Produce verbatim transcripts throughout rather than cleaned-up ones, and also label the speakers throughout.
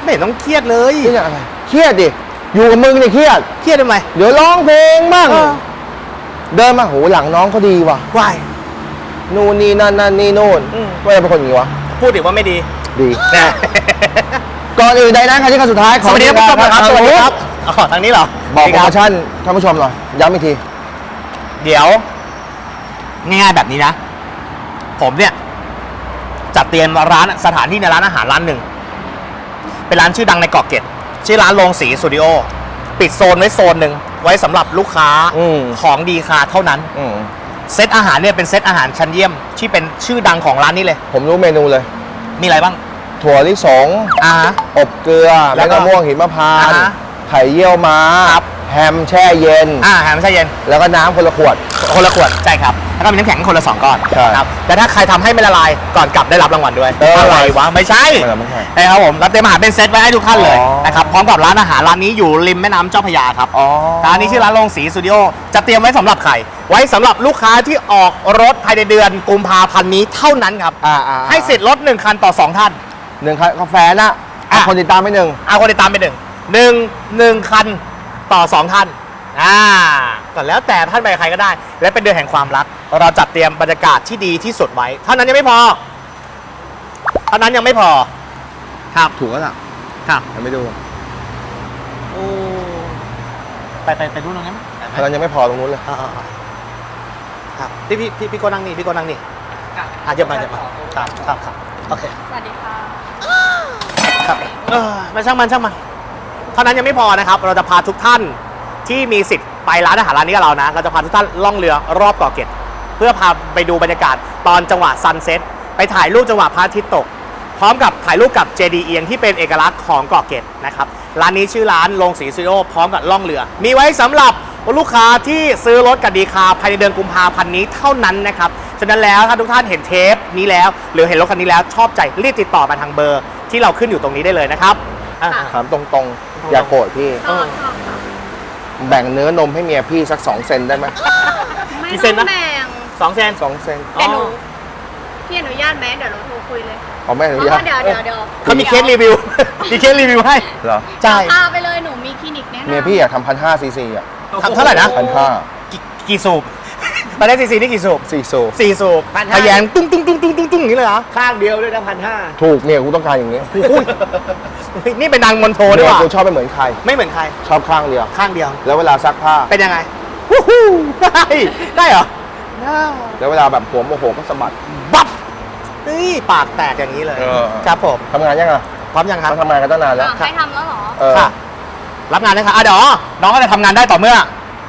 Speaker 1: ไม่เห็นต้องเครียดเลย
Speaker 2: เครียดอะไรเครียดดิอยู่กับมึงเนี่ยเครียด
Speaker 1: เครียดทำไม
Speaker 2: เดี๋ยวร้องเพลงบ้างเดินมาโหหลังน้องเขาดีว่ะ
Speaker 1: วาย
Speaker 2: นู่นนี่นั่นนั่นนี่นู่นว่าจะเป็นคนอย่างนี้วะ
Speaker 1: พูดดิว่าไม่ดี
Speaker 2: ดี
Speaker 1: นะ
Speaker 2: ก่อนอื่นใดนั้นใครที่ครั้งสุดท้ายข
Speaker 1: ส
Speaker 2: อ
Speaker 1: วัสดีครับผู้ชมครับสวัสดีครับอ๋อทางนี้เหรอ
Speaker 2: บอกโปรโมชั่นท่านผู้ชมหน่อยย้ำอีกที
Speaker 1: เดี๋ยวง่ายๆแบบนี้นะผมเนี่ยจัดเตรียมร้านสถานที่ในร้านอาหารร้านหนึ่งเป็นร้านชื่อดังในเกาะเกร็ดชื่อร้านโรงสีสตูดิโอปิดโซนไว้โซนหนึ่งไว้สำหรับลูกค้าของดีคาเท่านั้นเซตอาหารเนี่ยเป็นเซตอาหารชั้นเยี่ยมที่เป็นชื่อดังของร้านนี้เลย
Speaker 2: ผมรู้เมนูเลย
Speaker 1: มีอะไรบ้าง
Speaker 2: ถั่วลิสง
Speaker 1: อ่า
Speaker 2: อบเกลือแล้วก็ม่วงหิมพานต์ไข่เยี่ยวม้าแฮมแช่เย็น
Speaker 1: อ่าแฮมแช่เย็น
Speaker 2: แล้วก็น้ำคนละขวด
Speaker 1: คนละขวดใช่ครับแล้วก็มีน้ำแข็งคนละสองก้อนครับแต่ถ้าใครทำให้ไม่ละลายก่อนกลับได้รับรางวัลด้วยอะไรวะไม่ใช่
Speaker 2: ไม่ใช่
Speaker 1: ใช่ครับผมรับเตรียมอาหารเป็นเซตไว้ให้ทุกท่านเลยนะครับพร้อมกับร้านอาหารร้านนี้อยู่ริมแม่น้ำเจ้าพระยาครับร้านนี้ชื่อร้านโรงสีสตูดิโอจะเตรียมไว้สำหรับใครไว้สำหรับลูกค้าที่ออกรถภายในเดือนกุมภาพันธ์นี้เท่านั้นครับให้สิทธิ์รถหนึ่งคันต่อสองท่าน
Speaker 2: หนึ่งคันกาแฟนะเอาคนติดตามไปหนึ่ง
Speaker 1: เอาคนติดตามไปหนึ่งหนึ่งหนึ่งคันต่อสองท่านอ่าก็แล้วแต่ท่านไปใครก็ได้และเป็นเดือนแห่งความรักเราจัดเตรียมบรรยากาศที่ดีที่สุดไว้เท่านั้นยังไม่พอเท่านั้นยังไม่พอครับ
Speaker 2: ถูกแล้วล่ะ
Speaker 1: ครับ
Speaker 2: ยังไม่ดู
Speaker 1: โอ้ไปไปไปดูตรงนั้นไหม
Speaker 2: เท่านั้นยังไม่พอตรงนู้นเลย
Speaker 1: ครับพี่พี่พี่พี่โกนั่งนี่พี่โกนั่งนี่อ่ะเยอะมาเยอะมาครับครับครับโอเค
Speaker 3: สวัสดีค่ะ
Speaker 1: ครับเออมาช่างมันช่างมันเท่านั้นยังไม่พอนะครับเราจะพาทุกท่านที่มีสิทธิ์ไปร้านอาหารร้านนี้กับเรานะเราจะพาทุกท่านล่องเรือรอบเกาะเกร็ดเพื่อพาไปดูบรรยากาศตอนจังหวะซันเซ็ตไปถ่ายรูปจังหวะพระอาทิตย์ตกพร้อมกับถ่ายรูปกับเจดีย์เอียงที่เป็นเอกลักษณ์ของเกาะเกร็ดนะครับร้านนี้ชื่อร้านโรงสีสตูดิโอพร้อมกับล่องเรือมีไว้สำหรับลูกค้าที่ซื้อรถกับดีคาภายในเดือนกุมภาพันธ์นี้เท่านั้นนะครับฉะนั้นแล้วถ้าทุกท่านเห็นเทปนี้แล้วหรือเห็นรถคันนี้แล้วชอบใจรีบติดต่อมาทางเบอร์ที่เราขึ้นอยู่ตรงนี้ได้เลยนะครับ
Speaker 2: ถามตรงๆอย่าโกรธพี่แบ่งเนื้อนมให้เมียพี่สักสองเซนได้ไหม
Speaker 3: ไม่ต้องแบ่ง
Speaker 1: สองเซน
Speaker 2: สองเซน
Speaker 3: เดี๋ยวหนูพี่อนุญาตไหมเดี๋ยวเราโทรคุยเลย
Speaker 2: อ๋อไม่อนุญาต
Speaker 3: เดี๋ยวเดี๋ยวเดี๋ยว
Speaker 1: เขามีเคสรีวิวมีเคสรีวิวให้
Speaker 2: เหรอ
Speaker 1: ใช่
Speaker 3: พาไปเลยหนูมีคลินิกแนะนำ
Speaker 2: เมียพี่อยากทำพันห้าซีซีอ่ะ
Speaker 1: ทำเท่าไหร่นะ
Speaker 2: พันห้า
Speaker 1: กี่สูบตอนแรกซีซีนี่กี่สูบ
Speaker 2: สี่สูบ
Speaker 1: สี่สูบทะแยงตุ้งตุ้งตุ้งตุ้งตุ้งตุ้งอย่างนี้เลยเหรอ
Speaker 4: ข้างเดียวด้วยนะพันห้า
Speaker 2: ถูกเนี่ยกูต้องการอย่างนี้
Speaker 1: นี่เป็นนางมณฑลด้วย
Speaker 2: กูชอบไม่เหมือนใคร
Speaker 1: ไม่เหมือนใคร
Speaker 2: ชอบข้างเดียว
Speaker 1: ข้างเดียว
Speaker 2: แล้วเวลาซักผ้า
Speaker 1: เป็นยังไงวู้ฮู้ได้ได้เหรอ
Speaker 2: แล้วเวลาแบบหัวโมโหก็สะบัด
Speaker 1: บับนี่ปากแตกอย่างนี้เลยครับผม
Speaker 2: ทำงานยังไง
Speaker 1: พร้อมยังครับ
Speaker 2: ทำงานกันตั้งนานแล้ว
Speaker 3: ใครทำแล้วเหรอ
Speaker 1: ค่ะรับงานนะครับอ่ะเดี๋ยวน้องก็จะทำงานได้ต่อเมื่อ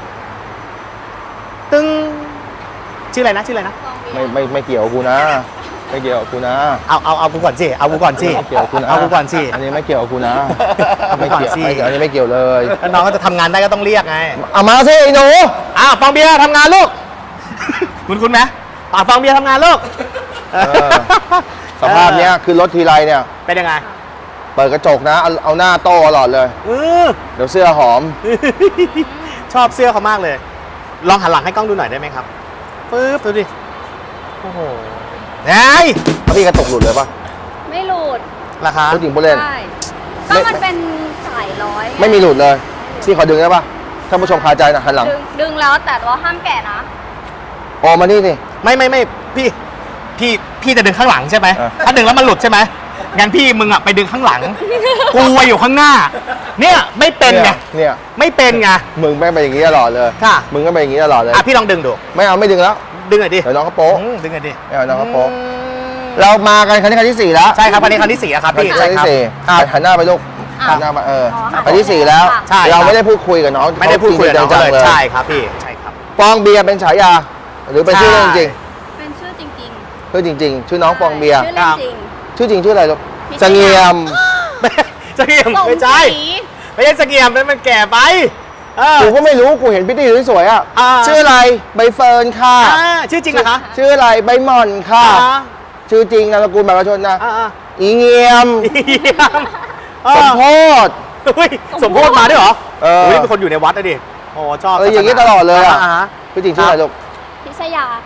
Speaker 1: ตึ้งชื่ออะไรนะชื่ออะไรนะ
Speaker 2: ไม่ไม่ไม่เกี่ยวกูนะไม่เกี่ยวกูนะ
Speaker 1: เอาเอาเอากูก่อนสิเอากูก่อนสิ
Speaker 2: เกี่ยวกูนะ
Speaker 1: เอากูก่อนสิ
Speaker 2: อันนี้ไม่เกี่ยวกูนะไม่เกี่ยวอันนี้ไม่เกี่ยวเลย
Speaker 1: น้องก็จะทำงานได้ก็ต้องเรียกไง
Speaker 2: เอามาสิไอ้หนู
Speaker 1: อ้าวฟองเบียร์ทำงานลูกคุณคุณไหมปากฟองเบียร์ทำงานลูก
Speaker 2: สภาพเนี้ยคือรถทีไรเนี่ย
Speaker 1: เป็นยังไง
Speaker 2: เปิดกระจกนะเอาเอาหน้าโต้ตลอดเลยเดี๋ยวเสื้อหอม
Speaker 1: ชอบเสื้อเขามากเลยลองหันหลังให้กล้องดูหน่อยได้ไหมครับปึ๊บดูดิโอ้โหไอ้
Speaker 2: พี่กระตุกหลุดเลยปะ
Speaker 3: ไม่หลุด
Speaker 1: ราคา
Speaker 2: ผู้หญิงผู้เล่น
Speaker 3: ใช่ก็มันเป็นสายร้อย
Speaker 2: ไม่มีหลุดเลยพี่ขอดึงได้ปะท่านผู้ชมคาใจนะหันหลัง
Speaker 3: ดึงแล้วแต่ว่าห้ามแกะนะ
Speaker 2: โอ้มานี่สิ
Speaker 1: ไม่ไม่ไม่พี่พี่พี่จะดึงข้างหลังใช่ไหมถ้าดึงแล้วมันหลุดใช่ไหมงั้นพี่มึงอ่ะไปดึงข้างหลังกูอยู่ข้างหน้าเนี่ยไม่เป็นไง
Speaker 2: เนี่ย
Speaker 1: ไม่เป็นไง
Speaker 2: มึงไม่เป็นอย่างนี้ตลอดเลย
Speaker 1: ค่ะ
Speaker 2: มึงก็เป็นอย่างนี้ตลอดเลย
Speaker 1: อ่ะพี่ลองดึงดู
Speaker 2: ไม่เอาไม่ดึงแล้ว
Speaker 1: ดึงหน่อยดิ
Speaker 2: เดี๋ยวน้องเขาโป๊ะ
Speaker 1: ดึงหน่อยดิ
Speaker 2: ไม่เอาน้องเขาโป๊ะเรามากันครั้งนี้ครั้งที่สี่แล้ว
Speaker 1: ใช่ครับครั้งนี้ครั้งที่สี่แล้วครับพี่
Speaker 2: ครั้งที่สี่หันหน้าไปลูกหันหน้ามาเออครั้งที่สี่แล้วเราไม่ได้พูดคุยกับน้อง
Speaker 1: ไม่ได้พูดคุยกับน้องเลยใช่ครับพี่ใช่ครับ
Speaker 2: ฟองเบียร์เป็นฉายาหรือเป็นชื่อจริง
Speaker 3: เป็นชื่อจริง
Speaker 2: ชื่อจริงๆชื่อน้องฟองเบียร์
Speaker 3: ชื่อจริง
Speaker 2: ชื่อจริงชื่ออะไรลูกเสงี่ยม
Speaker 1: เสงี่ยมไม่ใช่ไม่ใช่เสงี่ยมมันแก่ไป
Speaker 2: กูก็ไม่รู้กูเห็นพี่ตี้สวยๆอ่ะชื่ออะไรใบเฟิร์นค่ะ
Speaker 1: ชื่อจริงเหรอคะ
Speaker 2: ชื่ออะไรใบหม่อนค่ะชื่อจริงนามสกุลบัตรประชาชนนะอีเงียมสมโพธิ
Speaker 1: สมโพธิมาด้วยเหรอเออเป็นคนอยู่ในวัดนะดิโอ้ชอบ
Speaker 2: เอออย่างนี้ตลอดเลยอ่ะชื่อจริงชื่ออะไรลูก
Speaker 3: พิชยาค่ะ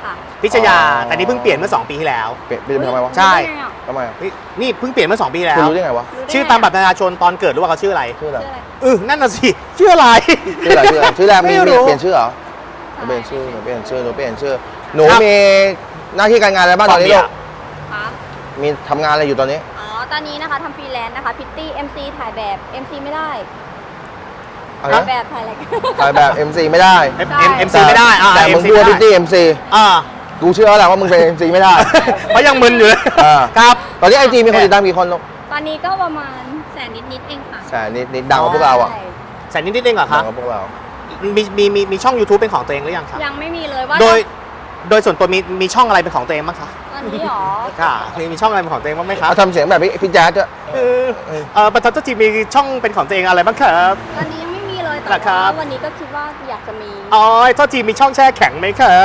Speaker 1: พิชยา
Speaker 2: อ๋อ
Speaker 1: แต่นี่เพิ่งเปลี่ยนเมื่อสองปีที่แล้ว
Speaker 2: เปลี่ยนเปลี่ยนทำไมวะ
Speaker 1: ใช่
Speaker 3: รู้ได้ไงอะ
Speaker 2: ทำไมอะ
Speaker 1: นี่นี่เพิ่งเปลี่ยนเมื่อสองปีที่แล้
Speaker 2: คุณ
Speaker 1: ว
Speaker 2: รู้ได้ไงวะ
Speaker 3: รู้ได้ไง
Speaker 1: ชื่อตามบัตรประชาชนตอนเกิดรู้ว่าเขาชื่ออะไร
Speaker 2: ชื่ออะไร
Speaker 3: ชื่ออะไร
Speaker 1: เออนั่นน่ะสิชื่ออะไร
Speaker 2: ชื่ออะไรชื่ออะไรชื่อแรกมี
Speaker 1: ไม่
Speaker 2: มี
Speaker 1: รู้
Speaker 2: เปลี่ยนชื่อเหรอ
Speaker 3: ใช่
Speaker 2: เปลี่ยนชื่อหนูเปลี่ยนชื่อหนูเปลี่ยนชื่อหนู
Speaker 1: ครับ
Speaker 2: มีหน้าที่การงานอะไรบ้างตอนนี้ลูก
Speaker 3: ครับ
Speaker 2: มีทำงานอะไรอยู่ตอนนี้
Speaker 3: อ๋อ ตอนนี้นะคะทำฟรีแลนซ์นะคะพิตตี้ เอ็ม ซี ถ่ายแบบ เอ็ม ซี ไม่ได้
Speaker 2: อะไร
Speaker 3: ถ่าย
Speaker 2: นะ
Speaker 3: แบบถ่ายอะไรกัน
Speaker 2: ถ่ายแบบ เอ็ม ซี ไม่ได้
Speaker 1: เอ็ม
Speaker 3: ใช่
Speaker 1: เอ็มซีไม่ได้อ่า
Speaker 2: แต่มึง
Speaker 1: เอ็มซี
Speaker 2: พูด
Speaker 1: ไม่
Speaker 2: พิตตี้
Speaker 1: ได้
Speaker 2: เอ็ม ซี
Speaker 1: อ่า
Speaker 2: กูเชื่อแล้วแหละว่ามึงเป็น เอ็ม ซี ไม่ได้
Speaker 1: เพราะยังมึนอยู่เลย
Speaker 2: อ่า
Speaker 1: ครับ
Speaker 2: ตอนนี้ไอจีมีคนติดตามกี่คนลูก
Speaker 3: ตอนนี้ก็ประมาณแสนนิดๆเองค่ะ
Speaker 2: แสนนิดนิดดังกว่าพวกเราอ่ะ
Speaker 3: ใช่
Speaker 1: แสนนิดนิดเองเหรอค
Speaker 2: ดั
Speaker 1: รั
Speaker 2: ง
Speaker 1: บ
Speaker 2: กว่าพวกเรา
Speaker 1: มีมีมีมีช่อง YouTube เป็นของตัวเองหรือยังครับ
Speaker 3: ยังไม่มีเลยว่า
Speaker 1: โดยโดยส่วนตัวมีมีช่องอะไรเป็นของตัวเองบ้างคะ
Speaker 3: ตอนนี้หรอ
Speaker 1: ค่ะมีมีช่องอะไรเป็นของตัวเองบ้างไหมครับ
Speaker 2: เอาทำเสียงแบบพี่พี่แจ๊ดด้วย
Speaker 1: เออเออปตทจีมีช่องเป็นของตัวเองอะไรบ้างครับ
Speaker 3: ตอนนี้ยังไม่มีเลย
Speaker 1: เหร
Speaker 3: แต่
Speaker 1: อครั
Speaker 3: ว่า
Speaker 1: บ
Speaker 3: วันนี้ก็คิดว่าอยากจะมี
Speaker 1: อ๋อทอจีมีช่องแช่แข็งไหมครับ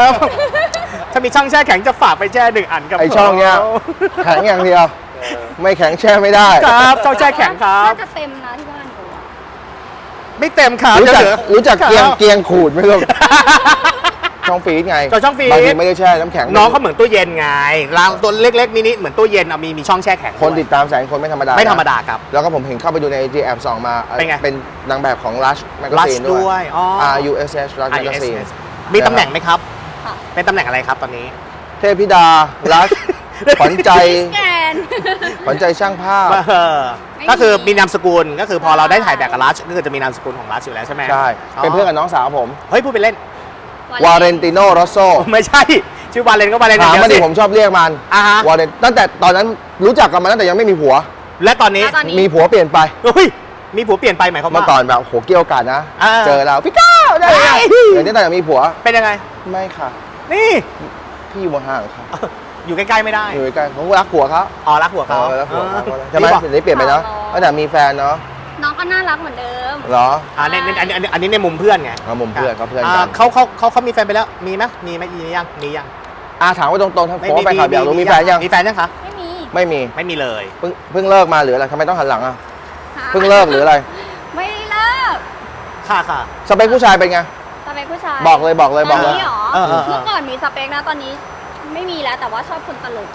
Speaker 1: ถ้ามีช่องแช่แข็งจะฝากไปแช่หนึ่งอันกับ
Speaker 2: ไอช่องเนี้ย
Speaker 1: ผม
Speaker 2: แข็งอย่างเดียว ไม่แข็งแช่ไม่ได้
Speaker 1: ครับช่องแช่แข็งครับ
Speaker 3: น่าจะเต็มนะที่บ้านกูอะ
Speaker 1: ไม่เต็มครับ
Speaker 2: รู้จัก
Speaker 1: เดี๋ยว
Speaker 2: รู้จักเกียง
Speaker 1: ครับ
Speaker 2: เกียงขูดไหมลูก ช่องฟีดไง
Speaker 1: จอช่องฟีด
Speaker 2: บางทีไม่ได้แช่น้ำแข็ง
Speaker 1: น้องเขาเหมือนตู้เย็นไงรางตัวเล็กๆมินิเหมือนตู้เย็นเอามีมีช่องแช่แข็ง
Speaker 2: คน
Speaker 1: ด้วย
Speaker 2: ติดตามแสนคนไม่ธรรมดา
Speaker 1: ไม่ธรรม
Speaker 2: นะ
Speaker 1: ดาครับ
Speaker 2: แล้วก็ผมเห็นเข้าไปดูใน ไอ จี แอบส่องมา
Speaker 1: เป็นไง
Speaker 2: เป็นนางแบบของ Lush
Speaker 1: Lush
Speaker 2: Magazine ด้
Speaker 1: ด้
Speaker 2: ว
Speaker 1: วย ยอ๋อ
Speaker 2: R U S H Lush Magazine
Speaker 1: มีตำแหน่งไหมครับ
Speaker 3: ค่ะ
Speaker 1: เป็นตำแหน่งอะไรครับตอนนี้
Speaker 2: เทพธิดา Lush ขวัญใจ
Speaker 3: แกน
Speaker 2: ขวัญใจช่างภาพ
Speaker 1: เออ
Speaker 3: ไม่
Speaker 1: ก็คือ
Speaker 3: มี
Speaker 1: มีนามสกุลก็คือพอ
Speaker 3: ใช่
Speaker 1: เราได้ถ่ายแบบกับรัชก็คือจะมีนามสกุลของรัชอยู่แล้วใช่ไหม
Speaker 2: ใช่ เป็นเพื่อนกับน้องสาวผม
Speaker 1: เฮ้ยพูดไปเล่น
Speaker 2: วาเรนติโนโรโซ
Speaker 1: ไม่ใช่ ชื่อวาเลนก็วาเลนอย่า
Speaker 2: ถาง ม
Speaker 1: เดียว
Speaker 2: มาดิ
Speaker 1: สิ
Speaker 2: ผมชอบเรียกมัน
Speaker 1: อ่าฮะ
Speaker 2: วาเรนตั้งแต่ตอนนั้นรู้จักกันมาตั้งแต่ยังไม่มีผัว
Speaker 1: และตอนนี้
Speaker 3: แล้วตอนนี้
Speaker 2: มีผัวเปลี่ยนไป
Speaker 1: เฮ้ยมีผัวเปลี่ยนไปหมายความ
Speaker 2: เมื่อ
Speaker 1: ว่า
Speaker 2: ก่อนแบบโหเกี่ยวกันนะ
Speaker 1: อ่า
Speaker 2: เจอเราพี่ก้าวได้ไง
Speaker 1: เฮ้ย
Speaker 2: เดี๋ยวนี้แต่ยังมีผัว
Speaker 1: เป็นยังไง
Speaker 2: ไม่ค่ะ
Speaker 1: นี่
Speaker 2: พี่อยู่ห่างๆค่ะ
Speaker 1: อยู่ใกล้ๆไม่ได้
Speaker 2: อยู่ใกล้ๆผมรักผัวเขา
Speaker 1: อ๋อรักหัวเขา
Speaker 2: เออรักผัวเขา
Speaker 1: เออ
Speaker 2: ใช่ไหม
Speaker 1: นี่บอก
Speaker 2: เดี๋ยวนี้เปลี่ยนไปเนาะ
Speaker 3: อ๋อ
Speaker 2: ตั้งแต่มีแฟนเนาะ
Speaker 3: น้องก็น่ารักเหมือนเดิม
Speaker 2: เหรอ
Speaker 1: อ่าในในอันนี้อันนี้อันนี้ในมุมเพื่อนไง
Speaker 2: เอามุมเพื่อนเขาเพื่อน
Speaker 1: อ่า
Speaker 2: กัน
Speaker 1: เขาเขาเขาเขามีแฟนไปแล้วมีไหมมีไหมมียังมียัง
Speaker 2: อาถามว่าตรงๆทั้งผมว่าไปขับอยากรู้มีแฟนยัง
Speaker 1: มีแฟนยังคะ
Speaker 3: ไม่มี
Speaker 2: ไม่มี
Speaker 1: ไม่มีเลย
Speaker 2: เพิ่งเพิ่งเลิกมาหรืออะไรทำไมต้องหันหลังอ่ะ
Speaker 3: ค่ะ
Speaker 2: เพิ่งเลิกหรืออะไร
Speaker 3: ไม่ได้เลิก
Speaker 1: ค่ะค่ะ
Speaker 2: สเปคผู้ชายเป็นไง
Speaker 3: สเปคผู้ชาย
Speaker 2: บอกเลยบอกเลยบอก
Speaker 3: ต
Speaker 2: เล
Speaker 3: อน
Speaker 2: ย
Speaker 3: นี้หรอ
Speaker 1: เออเออเออ
Speaker 3: เมื่อก่อนมีสเปคนะตอนนี้ไม่มีแล้วแต่ว่าชอบคนตลก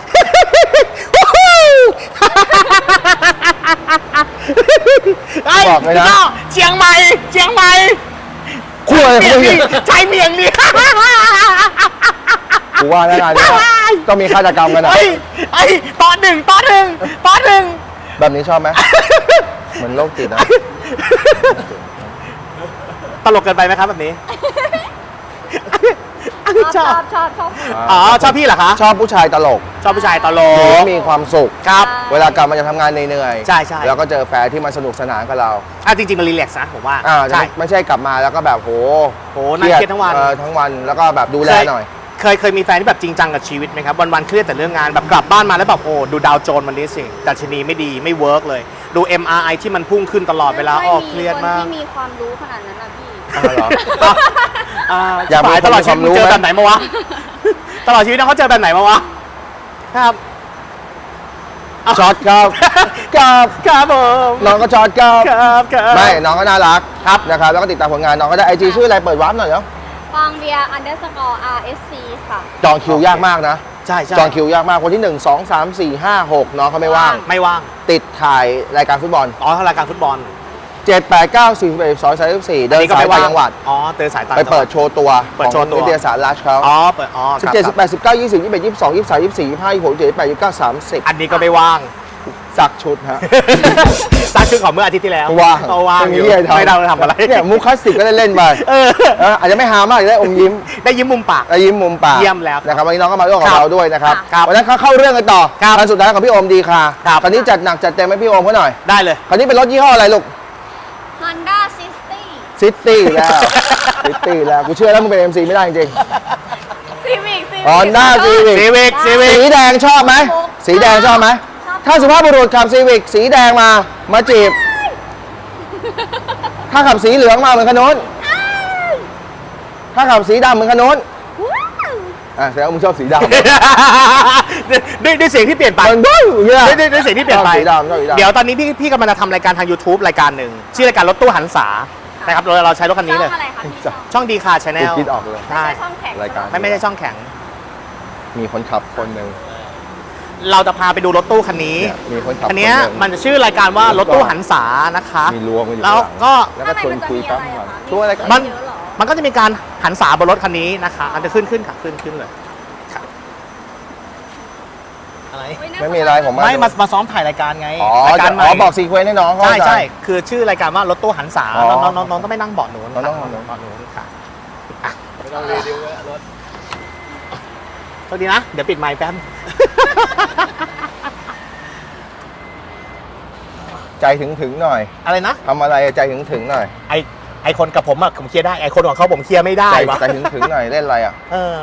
Speaker 2: บอกเลยนะ
Speaker 1: พี่เชียงใหม่เชียงใหม่
Speaker 2: คู่อะไร
Speaker 1: เมี
Speaker 2: ข
Speaker 1: ย
Speaker 2: อง
Speaker 1: ง
Speaker 2: มึ
Speaker 1: นี่
Speaker 2: ง
Speaker 1: ใช้เมียงนี่
Speaker 2: กูว่าแล้วงานเนี้ยต้องมีฆาตกรรมกันอ่ะ
Speaker 1: ไอ้ไอ้ตอนหนึ่งตอนหนึ่งตอนหนึ่ง
Speaker 2: แบบนี้ชอบไหมเหมือนโรคจิตนะ
Speaker 1: ตลกเกินไปไหมครับแบบนี้
Speaker 3: ชอบชอบชอบชอบ
Speaker 1: อ๋อชอบพี่เหรอคะ
Speaker 2: ชอบผู้ชายตลก
Speaker 1: ชอบผู้ชายตล
Speaker 2: หรื
Speaker 1: ก
Speaker 2: อมีความสุข
Speaker 1: ครับ
Speaker 2: เวลากลับมาจะทำงานเหนื่อยๆ
Speaker 1: ใช่ใช่
Speaker 2: แล้วก็เจอแฟนที่มาสนุกสนานกับเรา
Speaker 1: อ่ะจริงๆมันรีแลกซ์นะผมว่า
Speaker 2: อ่าจะ
Speaker 1: ใช่
Speaker 2: ไม่ไม่ใช่กลับมาแล้วก็แบบโห
Speaker 1: โหนั่งเครียดทั้งวัน
Speaker 2: เออทั้งวันแล้วก็แบบดูแลหน่อย
Speaker 1: เคยเคยมีแฟนที่แบบจริงจังกับชีวิตไหมครับ วันๆเครียดแต่เรื่องงานแบบกลับบ้านมาแล้วแบบโอ้ดูดาวโจนส์วันนี้สิดัชนีไม่ดีไม่เวิร์กเลย ดู เอ็ม อาร์ ไอ ที่มันพุ่งขึ้นตลอดเวลาออกเครียดมาก
Speaker 3: คนที่มีความรู้ขนาดนั้นนะพี่
Speaker 2: อ่าเหรอ
Speaker 1: อ่า
Speaker 2: อยากมี
Speaker 1: สายตลอดชีวิต
Speaker 2: ความรู้
Speaker 1: มึงเจอ
Speaker 2: ไหม
Speaker 1: แบบไหนมาวะ ตลอดชีวิตนะเขาเจอแบบไหนมาวะ ครับ
Speaker 2: ช็อตครับ
Speaker 1: ครับ ครับผม
Speaker 2: น้องก็ช็อตครับ
Speaker 1: ครับครับ
Speaker 2: ไม่น้องก็น่ารักครับนะครับแล้วก็ติดตามผลงานน้องก็ได้ไอจีชื่ออะไรเปิดวาร์ปหน่อยเนาะ
Speaker 3: ฟองเบียร์ underscore rsc ค่ะ
Speaker 2: จองคิวยากมากนะ
Speaker 1: ใช่ใช่
Speaker 2: จองคิวยากมากคนที่หนึ่ง สอง สาม สี่ ห้า หกน้องเขาไม่ว่าง
Speaker 1: ไม่ว่าง
Speaker 2: ติดถ่ายรายการฟุตบอล
Speaker 1: อ๋อรายการฟุตบอล
Speaker 2: เจ็ด แปด เก้า สี่ สิบเอ็ด สอง สาม สี่ เดิน
Speaker 1: อัก็
Speaker 2: สาย
Speaker 1: ไม่
Speaker 2: ต่างจังหวัด
Speaker 1: อ๋อเดินสายต่าง
Speaker 2: ไป
Speaker 1: จังหวั
Speaker 2: เปิดโชว์ตัว
Speaker 1: เปิดโชว์ตัว
Speaker 2: ของนิตยสารลัชเขา
Speaker 1: อ๋อเปิดอ๋อค
Speaker 2: สิบ
Speaker 1: รับ
Speaker 2: เจ็ด สิบแปด สิบเก้า ยี่สิบ ยี่สิบเอ็ด ยี่สิบสอง ยี่สิบสาม ยี่สิบสี่ ยี่สิบห้า ยี่สิบหก ยี่สิบเจ็ด ยี่สิบแปด ยี่สิบเก้า สามสิบ
Speaker 1: อันนี้ก็ไม่ว่าง
Speaker 2: สักชุดฮะ
Speaker 1: ซักชุดของเมื่ออาทิตย์ที่แล้ว
Speaker 2: ว่าง
Speaker 1: เอาว่าง
Speaker 2: ไม่มี
Speaker 1: อยู่
Speaker 2: เหี้ยทำ
Speaker 1: ไม่ได้ทำอะไร
Speaker 2: เนี่ยมุกคลาสสิกก็ได้เล่นไป
Speaker 1: เออ
Speaker 2: เอออาจจะไม่ฮามากจะได้อมยิ้ม
Speaker 1: ได้ยิ้มมุมปาก
Speaker 2: ได้ยิ้มมุมปาก
Speaker 1: เยี่ยมแล้ว
Speaker 2: นะครับวันนี้น้องก็มาร่วมกั
Speaker 1: ครับ บ
Speaker 2: เราด้วยนะครับ
Speaker 1: ครับ
Speaker 2: วันนั้นเขาเข้าเรื่องกันต่อ
Speaker 1: ครับ
Speaker 2: วันสุดท้ายของพี่โอมดีค่ะ
Speaker 1: ครับ
Speaker 2: คราวนี้จัดหนักจัดเต็มให้พี่โอมเขาหน่อย
Speaker 1: ได้เลย
Speaker 2: คราวนี้เป็นรถยี่ห้ออะไรลูก
Speaker 3: Honda City
Speaker 2: ซิตี้แล้ว ซิตี้แล้วกูเชื่อแล้วมึงเป็น เอ็ม ซี ไม่ได้จริง
Speaker 3: Civic Civic
Speaker 2: ๆ Honda Civic
Speaker 1: ซีวิกซีวิ
Speaker 2: สี
Speaker 1: ก
Speaker 2: แดงชอบไหมสีแดงชอบไหม
Speaker 3: ชอบ
Speaker 2: ถ้าสุภาพบุรุษขับซีวิกสีแดงมามาจีบ ถ้าขับสีเหลืองมาเหมือนขนุนถ้าขับสีดำเหมือนขนุน
Speaker 3: ว้าว
Speaker 2: อ่ะแสดงว่ามึงชอบสีดำ
Speaker 1: ด้วยด้วยเสียงที่เปลี่ยนไป
Speaker 2: มันบ้าอย่างเงี้ย
Speaker 1: ด้วยด้วยด้วยเสียงที่เปลี่ยนไป
Speaker 2: ชอบสีดำชอบสีดำ
Speaker 1: เดี๋ยวตอนนี้พี่พี่กำลังจะทำรายการทาง YouTube รายการหนึ่งชื่อรายการรถตู้หันษานะครับเราเราใช้รถคันนี้เลย
Speaker 3: ช่องอะไรคะพี่ช่อง
Speaker 1: ช่องดีคาชาแนล
Speaker 2: กูคิดออกเลย
Speaker 3: ไม่ใช่ช่องแข็ง
Speaker 2: รายการ
Speaker 1: ไม่ไม่ใช่ช่องแข็ง
Speaker 2: มีคนขับคนหนึ่ง
Speaker 1: เราจะพาไปดูรถตู้คันนี้
Speaker 2: เนี่ยมีคนขับ
Speaker 1: คันเนี้ย
Speaker 2: คนหนึ่ง
Speaker 1: มันจะชื่อรายการว่ารถตู้หันษานะคะ
Speaker 2: มีรวมกันอยู่
Speaker 1: แล้ว
Speaker 2: ข้างหลัง
Speaker 1: ก็
Speaker 2: แล้วก็ชวนคุยแป๊บนึงก่อนช่วยอะไรกัน
Speaker 1: มัน
Speaker 3: เยอะเหรอ
Speaker 1: มันก็จะมีการหันษาบนรถคันนี้นะคะมันจะขึ้นขึ้นค่ะขึ้นขึ้นเลยค่ะอะไร
Speaker 3: เฮ้ยน่า
Speaker 2: ไม่มีอะไรผม
Speaker 1: ไม่มามาซ้อมถ่ายรายการไง
Speaker 2: อ๋อ
Speaker 1: รายการ
Speaker 2: จะ
Speaker 1: ใหม่
Speaker 2: อ๋อบอกซีเควนต์ให้น้องเขา
Speaker 1: ใช่
Speaker 2: เข้าจ
Speaker 1: ใช่คือชื่อรายการว่ารถตู้หันษา
Speaker 2: อ๋อ
Speaker 1: น้องน้องน้องต้องไม่นั่งเบาะหนูน
Speaker 2: น้องต้อง
Speaker 1: ค่ะ
Speaker 2: นั่ง
Speaker 1: เบาะหนูนค่ะอ่ะ
Speaker 2: ไม่ต้องรีวิวเลยรถ
Speaker 1: โทษดีนะ เดี๋ยวปิดไมค์แป๊บ
Speaker 2: ใจถึงถึงๆหน่อย
Speaker 1: อะไรนะ
Speaker 2: ทำอะไรใจถึงถึงๆหน่อย
Speaker 1: ไอไอคนกับผมอะผมเคลียร์ได้ไอคนของเขาผมเคลียร์ไม่ได้
Speaker 2: ใจ
Speaker 1: วะ
Speaker 2: ใจถึงถึงๆหน่อยเล่นอะไรอ่ะ
Speaker 1: เออ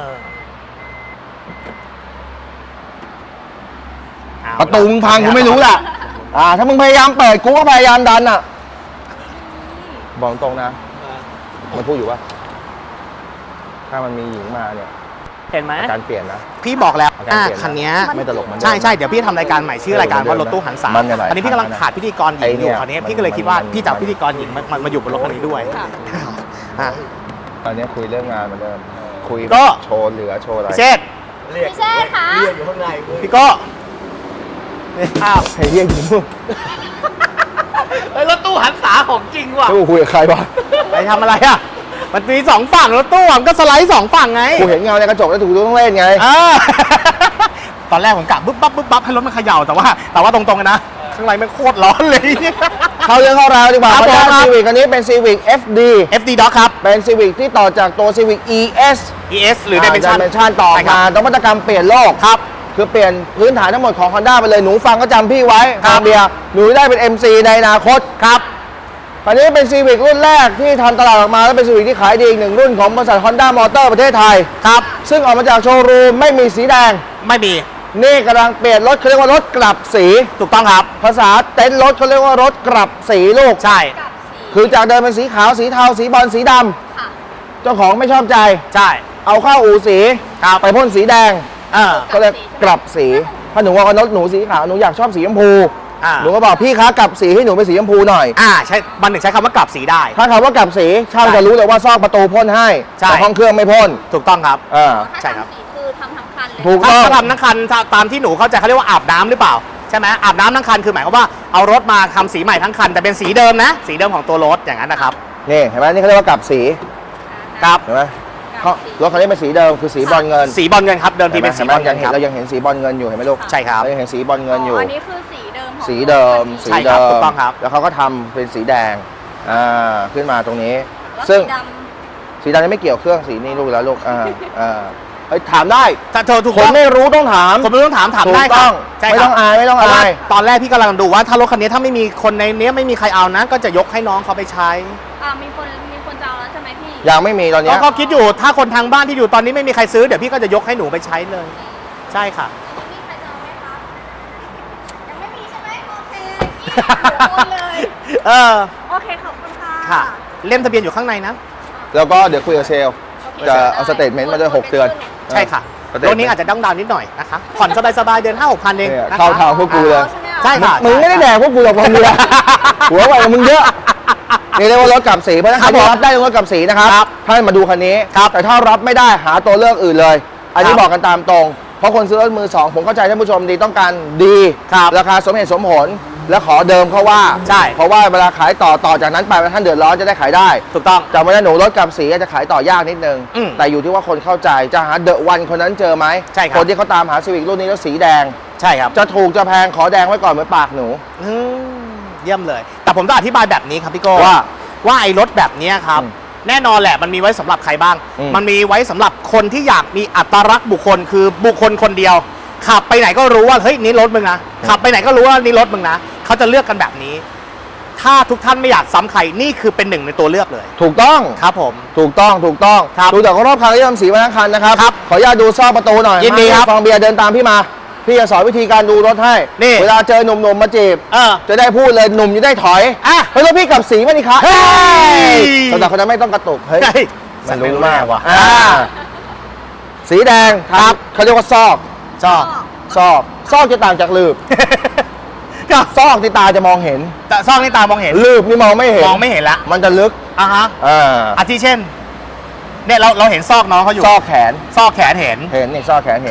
Speaker 1: เอา
Speaker 2: ประตูมึงพังกูไม่รู้แหละอ่า ถ้ามึงพยายามเปิดกูก็พยายามดันอ่ะ บอกตรงนะ มันพูดอยู่ว่า ถ้ามันมีหญิงมาเนี่ย
Speaker 1: เห็นไหม
Speaker 2: อาการเปลี่ยนนะ
Speaker 1: พี่บอกแล้ว
Speaker 2: อาการ
Speaker 1: อ่ะ
Speaker 2: เปลี่ยนนะ
Speaker 1: คันเนี้ย
Speaker 2: ไม่ตลกเหมันเดิม
Speaker 1: ใช่ใช่เดี๋ยวพี่ทำรายการใหม่ชื่อรายการว่ารถตู้หันษา
Speaker 2: มันเนี่ยหลาย
Speaker 1: อันนี้พี่กำลังขาดพิธีกรหญิง
Speaker 2: ไอ้
Speaker 1: อ
Speaker 2: เนี่
Speaker 1: ยู่
Speaker 2: ย
Speaker 1: คราวนี้
Speaker 2: มัน
Speaker 1: พี่ก็เลยคิดว่า
Speaker 2: มัน
Speaker 1: พี่จะเอา
Speaker 2: มัน
Speaker 1: พิธีกรหญิงมามามาอยู่บนรถคันนี้ด้วยอ่ะ
Speaker 2: ตอนนี้คุยเรื่องงานเหมือนเดิม คุย
Speaker 1: ก็
Speaker 2: โชว์เหลือโชว์อะไร
Speaker 1: พี่เชษฐ์
Speaker 3: พี่เชษค่ะ
Speaker 1: พี่โก้อ้าว
Speaker 2: เฮ้ยเรียกอยู่นู่น
Speaker 1: เฮ้ยรถตู้หันษาของจริงว่ะ
Speaker 2: กูคุยกับใครวะ
Speaker 1: ไปทำอะไรอ่ะมันมีสองฝั่งรถตู้อะมันก็สไลด์สองฝั่งไง
Speaker 2: กูเห็นเงาในกระจกแล้วถูกต้องเล่นไง
Speaker 1: อ่า ตอนแรกผมกะบึ๊บปั๊บบึ๊บปั๊บให้รถมันเขย่าแต่ว่า แต่ว่าตรงๆกันนะข้างในมันโคตรร้อนเลย
Speaker 2: เข้าเรื่องเข้าราวดีกว่า
Speaker 1: ครับ
Speaker 2: เพราะ
Speaker 1: ผมครับ
Speaker 2: ซีวิกอันนี้เป็น Civic เอฟ ดี
Speaker 1: เอฟ ดี Dock ครับ
Speaker 2: เป็น Civic ที่ต่อจากตัว Civic อี เอส
Speaker 1: อี เอส หรือ Dimension
Speaker 2: Dimension ต่อ
Speaker 1: ใช่ครั
Speaker 2: มา
Speaker 1: บ
Speaker 2: นวัตกรรมเปลี่ยนโลก
Speaker 1: ครับ
Speaker 2: คือเปลี่ยนพื้นฐานทั้งหมดของ Honda ไปเลย หนูฟังก็จำพี่ไว้
Speaker 1: ครับ
Speaker 2: เบียร์หนูได้เป็น เอ็ม ซี ในอนาคต
Speaker 1: ครับ
Speaker 2: คันนี้เป็น Civic รุ่นแรกที่ทำตลาดออกมา และเป็น Civic ที่ขายดีอีกหนึ่งรุ่นของบริษัท Honda Motor ประเทศไทย
Speaker 1: ครับ
Speaker 2: ซึ่งออกมาจากโชว์รูมไม่มีสีแดง
Speaker 1: ไม่มี
Speaker 2: นี่กำลังเปลี่ยนรถเขาเรียกว่ารถกลับสี
Speaker 1: ถูกต้องครับ
Speaker 2: ภาษาเต็นท์รถเขาเรียกว่ารถกลับสีลูก
Speaker 1: ใช่
Speaker 3: กับสี
Speaker 2: คือจากเดิมเป็นสีขาวสีเทาสีบอลสีดำ
Speaker 3: ค่ะ
Speaker 2: เจ้าของไม่ชอบใจ
Speaker 1: ใช่
Speaker 2: เอาเข้าอู่สี
Speaker 1: ครับ
Speaker 2: ไปพ่นสีแดง
Speaker 1: เออ
Speaker 2: ก็เลยกลับสีถ้าหนูว่ารถหนูสีขาวหนูอยากชอบสีชมพู
Speaker 1: อ่า
Speaker 2: หนูก็บอกพี่คะกลับสีให้หนูเป็นสีชมพูหน่อย
Speaker 1: อ่าใช่บันหนึ่งใช้คำว่ากลับสีได้
Speaker 2: ถ้าคำว่ากลับสีช่างจะรู้เลยว่าซอกประตูพ่นให้
Speaker 1: ใช่
Speaker 2: แต่ห้องเครื่องไม่พ่น
Speaker 1: ถูกต้องครับ
Speaker 2: อ่า
Speaker 3: ถ้า
Speaker 1: ใช่ครับ
Speaker 3: ทำสีคือทำทั้งคันเลย
Speaker 2: ถูก
Speaker 1: ถ้า
Speaker 2: ต้อง
Speaker 1: ถ้าทำทั้งคันถ้าตามที่หนูเข้าใจเขาเรียกว่าอาบน้ำหรือเปล่าใช่ไหมอาบน้ำทั้งคันคือหมายความว่าเอารถมาทำสีใหม่ทั้งคันแต่เป็นสีเดิมนะ สีเดิมของตัวรถอย่างนั้นนะครับ
Speaker 2: นี่เห็นไหมนี่เขาเรียกว่ากลับสี
Speaker 1: ครับ
Speaker 2: เห็นไหม
Speaker 3: กลับ
Speaker 2: เขา
Speaker 3: สี
Speaker 2: รถคันนี้เป็นสีเดิมคือสีบอลเงิน
Speaker 1: สีบอลเงินครับเดิมทีเป็นสี
Speaker 2: ห็น
Speaker 1: บ
Speaker 2: ไห
Speaker 1: อลเงิน
Speaker 2: ยัง
Speaker 1: ค
Speaker 2: เห็น
Speaker 1: รับ
Speaker 2: เรายังเห็นสีบอลเงินอยู่เห็นไหมลูก
Speaker 1: ใช่ครับ
Speaker 2: เรายังเห็นสีบอลเงินอยู่
Speaker 3: อันนี้คือสีเดิมของ
Speaker 2: สีเดิม
Speaker 3: รถ
Speaker 2: สี
Speaker 1: ใช่ครั
Speaker 2: เดิ
Speaker 1: บถู
Speaker 2: ม
Speaker 1: กต้องครับ
Speaker 2: แล้วเขาก็ทำเป็นสีแดงอ่าขึ้นมาตรงนี้
Speaker 3: แล้ว
Speaker 2: ซึ่ง
Speaker 3: สีด
Speaker 2: สีดำนี่ไม่เกี่ยวเครื่องสีนี้ลูกแล้วลูกอ่าอ่าเฮ้ยถามได้
Speaker 1: ถ้าเธอถูก
Speaker 2: คน
Speaker 1: ต้อง
Speaker 2: ไม่รู้ต้องถาม
Speaker 1: ผมไม่ต้องถามถาม
Speaker 2: ถูก
Speaker 1: ได้ค
Speaker 2: ต้
Speaker 1: รั
Speaker 2: อบ ง
Speaker 1: ใช่
Speaker 2: ไม่
Speaker 1: ครั
Speaker 2: ต้องอายไม่ต้อง
Speaker 1: เพราะว่า
Speaker 2: อาย
Speaker 1: ตอนแรกพี่กำลังดูว่าถ้ารถคันนี้ถ้าไม่มีคนในเนี้ยไม่มีใครเอานะ ก็จะยกให้น้องเขาไปใช้
Speaker 3: ำอ่ามีคนมีคนจะเอาแล้วใช่ไหมพี่
Speaker 2: ยังไม่มีตอนเนี้
Speaker 1: แล้ว
Speaker 2: ย
Speaker 1: ก็คิดอยู่ถ้าคนทางบ้านที่อยู่ตอนนี้ไม่มีใครซื้อเดี๋ยวพี่ก็จะยกให้หนูไปใช้เลย ใช่ค่ะ
Speaker 3: มีใครจะเอาไหมคะยังไม่มีใช่ไหมโอเคพี่เดี๋ยวโอนเลย
Speaker 1: เออ
Speaker 3: โอเคขอบคุณค่ะ
Speaker 1: ค่ะ เล่มทะเบียนอยู่ข้างในนะ
Speaker 2: แล้วก็เดี๋ยวคุยกับเซลล จะเอาสเตทเมนต์มาด้วยหกเดือน
Speaker 1: ใช่ค่ะ
Speaker 2: สเตท
Speaker 1: ร
Speaker 2: เม
Speaker 1: ถ
Speaker 2: นต์
Speaker 1: นี้อาจจะต้องดาวน์นิดหน่อยนะคะผ่อนสบายๆเดือนห้าหกพันเอง
Speaker 2: เนี่ย
Speaker 1: นะคะ
Speaker 2: เข้าทางพวกกูเลย
Speaker 1: ใช่ค่ะ
Speaker 2: มึงไม่ได้แดกพวกกูหรอกมึงเลยหัวไหวกับมึงเยอะนี่เรียกว่ารถกลับสีเพราะฉะนั้นใครที่รับได้รถกลับสีนะครับ
Speaker 1: ครับ
Speaker 2: ท่านมาดูคันนี้
Speaker 1: ครับ
Speaker 2: แต่ถ้ารับไม่ได้หาตัวเลือกอื่นเลย อันนี้
Speaker 1: ครับ
Speaker 2: บอกกันตามตรง เพราะคนซื้อรถมือสองผมเข้าใจท่านผู้ชมดีต้องการดี
Speaker 1: ครับ
Speaker 2: ราคาสมเหตุสมผลและขอเดิมเขาว่า
Speaker 1: ใช่
Speaker 2: เพราะว่าเวลาขายต่อต่อจากนั้นไปท่านเดือดร้อนจะได้ขายได้
Speaker 1: ถูกต้อง
Speaker 2: จำไว้นะหนูรถกลับสีอาจจะขายต่อยากนิดนึง
Speaker 1: อืม
Speaker 2: แต่อยู่ที่ว่าคนเข้าใจจะหาเดอะวันคนนั้นเจอไหม
Speaker 1: ใช่ครับ
Speaker 2: คนที่เขาตามหาซีวิกรุ่นนี้แล้วสีแดง
Speaker 1: ใช่ครับ
Speaker 2: จะถูกจะแพงขอแดงไว้ก่อนเหมือนปากหนู
Speaker 1: อืมเยี่ยมเลย แต่ผมต้องอธิบายแบบนี้ครับพี่โก้
Speaker 2: ว่า
Speaker 1: ว่าไอ้รถแบบเนี้ยครับ
Speaker 2: อืม
Speaker 1: แน่นอนแหละมันมีไว้สำหรับใครบ้าง
Speaker 2: อืม
Speaker 1: มันมีไว้สำหรับคนที่อยากมีอัตลักษณ์บุคคลคือบุคคลคนเดียว ขับไปไหนก็รู้ว่าเฮ้ยนี่รถมึงนะขับไปไหนก็รู้ว่านี่รถมึงนะเขาจะเลือกกันแบบนี้ ถ้าทุกท่านไม่อยากซ้ำใครนี่คือเป็นหนึ่งในตัวเลือกเลย
Speaker 2: ถูกต้อง
Speaker 1: ครับผม
Speaker 2: ถูกต้องถูกต้อง
Speaker 1: ครับ
Speaker 2: ดูจากรอบคันที่ทำสีมาทั้งคันนะครับ
Speaker 1: ครับ
Speaker 2: ขออนุญาตดูซอกประตูหน่อย
Speaker 1: ยินดีครับ
Speaker 2: ฟองเบียร์เดินตามพี่มา พี่จะสอนวิธีการดูรถให้
Speaker 1: นี่
Speaker 2: เวลาเจอหนุ่มๆมาจีบ
Speaker 1: เออ
Speaker 2: จะได้พูดเลยหนุ่มจะได้ถอย
Speaker 1: อ่ะ
Speaker 2: เฮ้ยรถพี่กลับสีมาดิคะ
Speaker 1: เฮ้ย
Speaker 2: สำหรับคนนั้นไม่ต้องกระตุกเฮ้ย
Speaker 1: เฮ้ย
Speaker 2: มันรู้มาก
Speaker 1: ว่ะ
Speaker 2: อ่าสีแดงครับเขาเรียกว่าซอก
Speaker 1: ชอบ
Speaker 2: ซอกซอกจะต่างจากลืบ
Speaker 1: ก็
Speaker 2: ซอกที่ตาจะมองเห็น
Speaker 1: แต่ซ่องนี่ตามองเห็น
Speaker 2: ลืบนี่มองไม่เห็น
Speaker 1: มองไม่เห็นละ
Speaker 2: มันจะลึก
Speaker 1: อ่ะฮะ
Speaker 2: อ่า
Speaker 1: อาทิเช่นเนี่ยเราเราเห็นซอกน้องเขาอยู่
Speaker 2: ซอกแขน
Speaker 1: ซอกแขนเห็น
Speaker 2: เห็นนี่ซอกแขนเห็น
Speaker 1: ครับ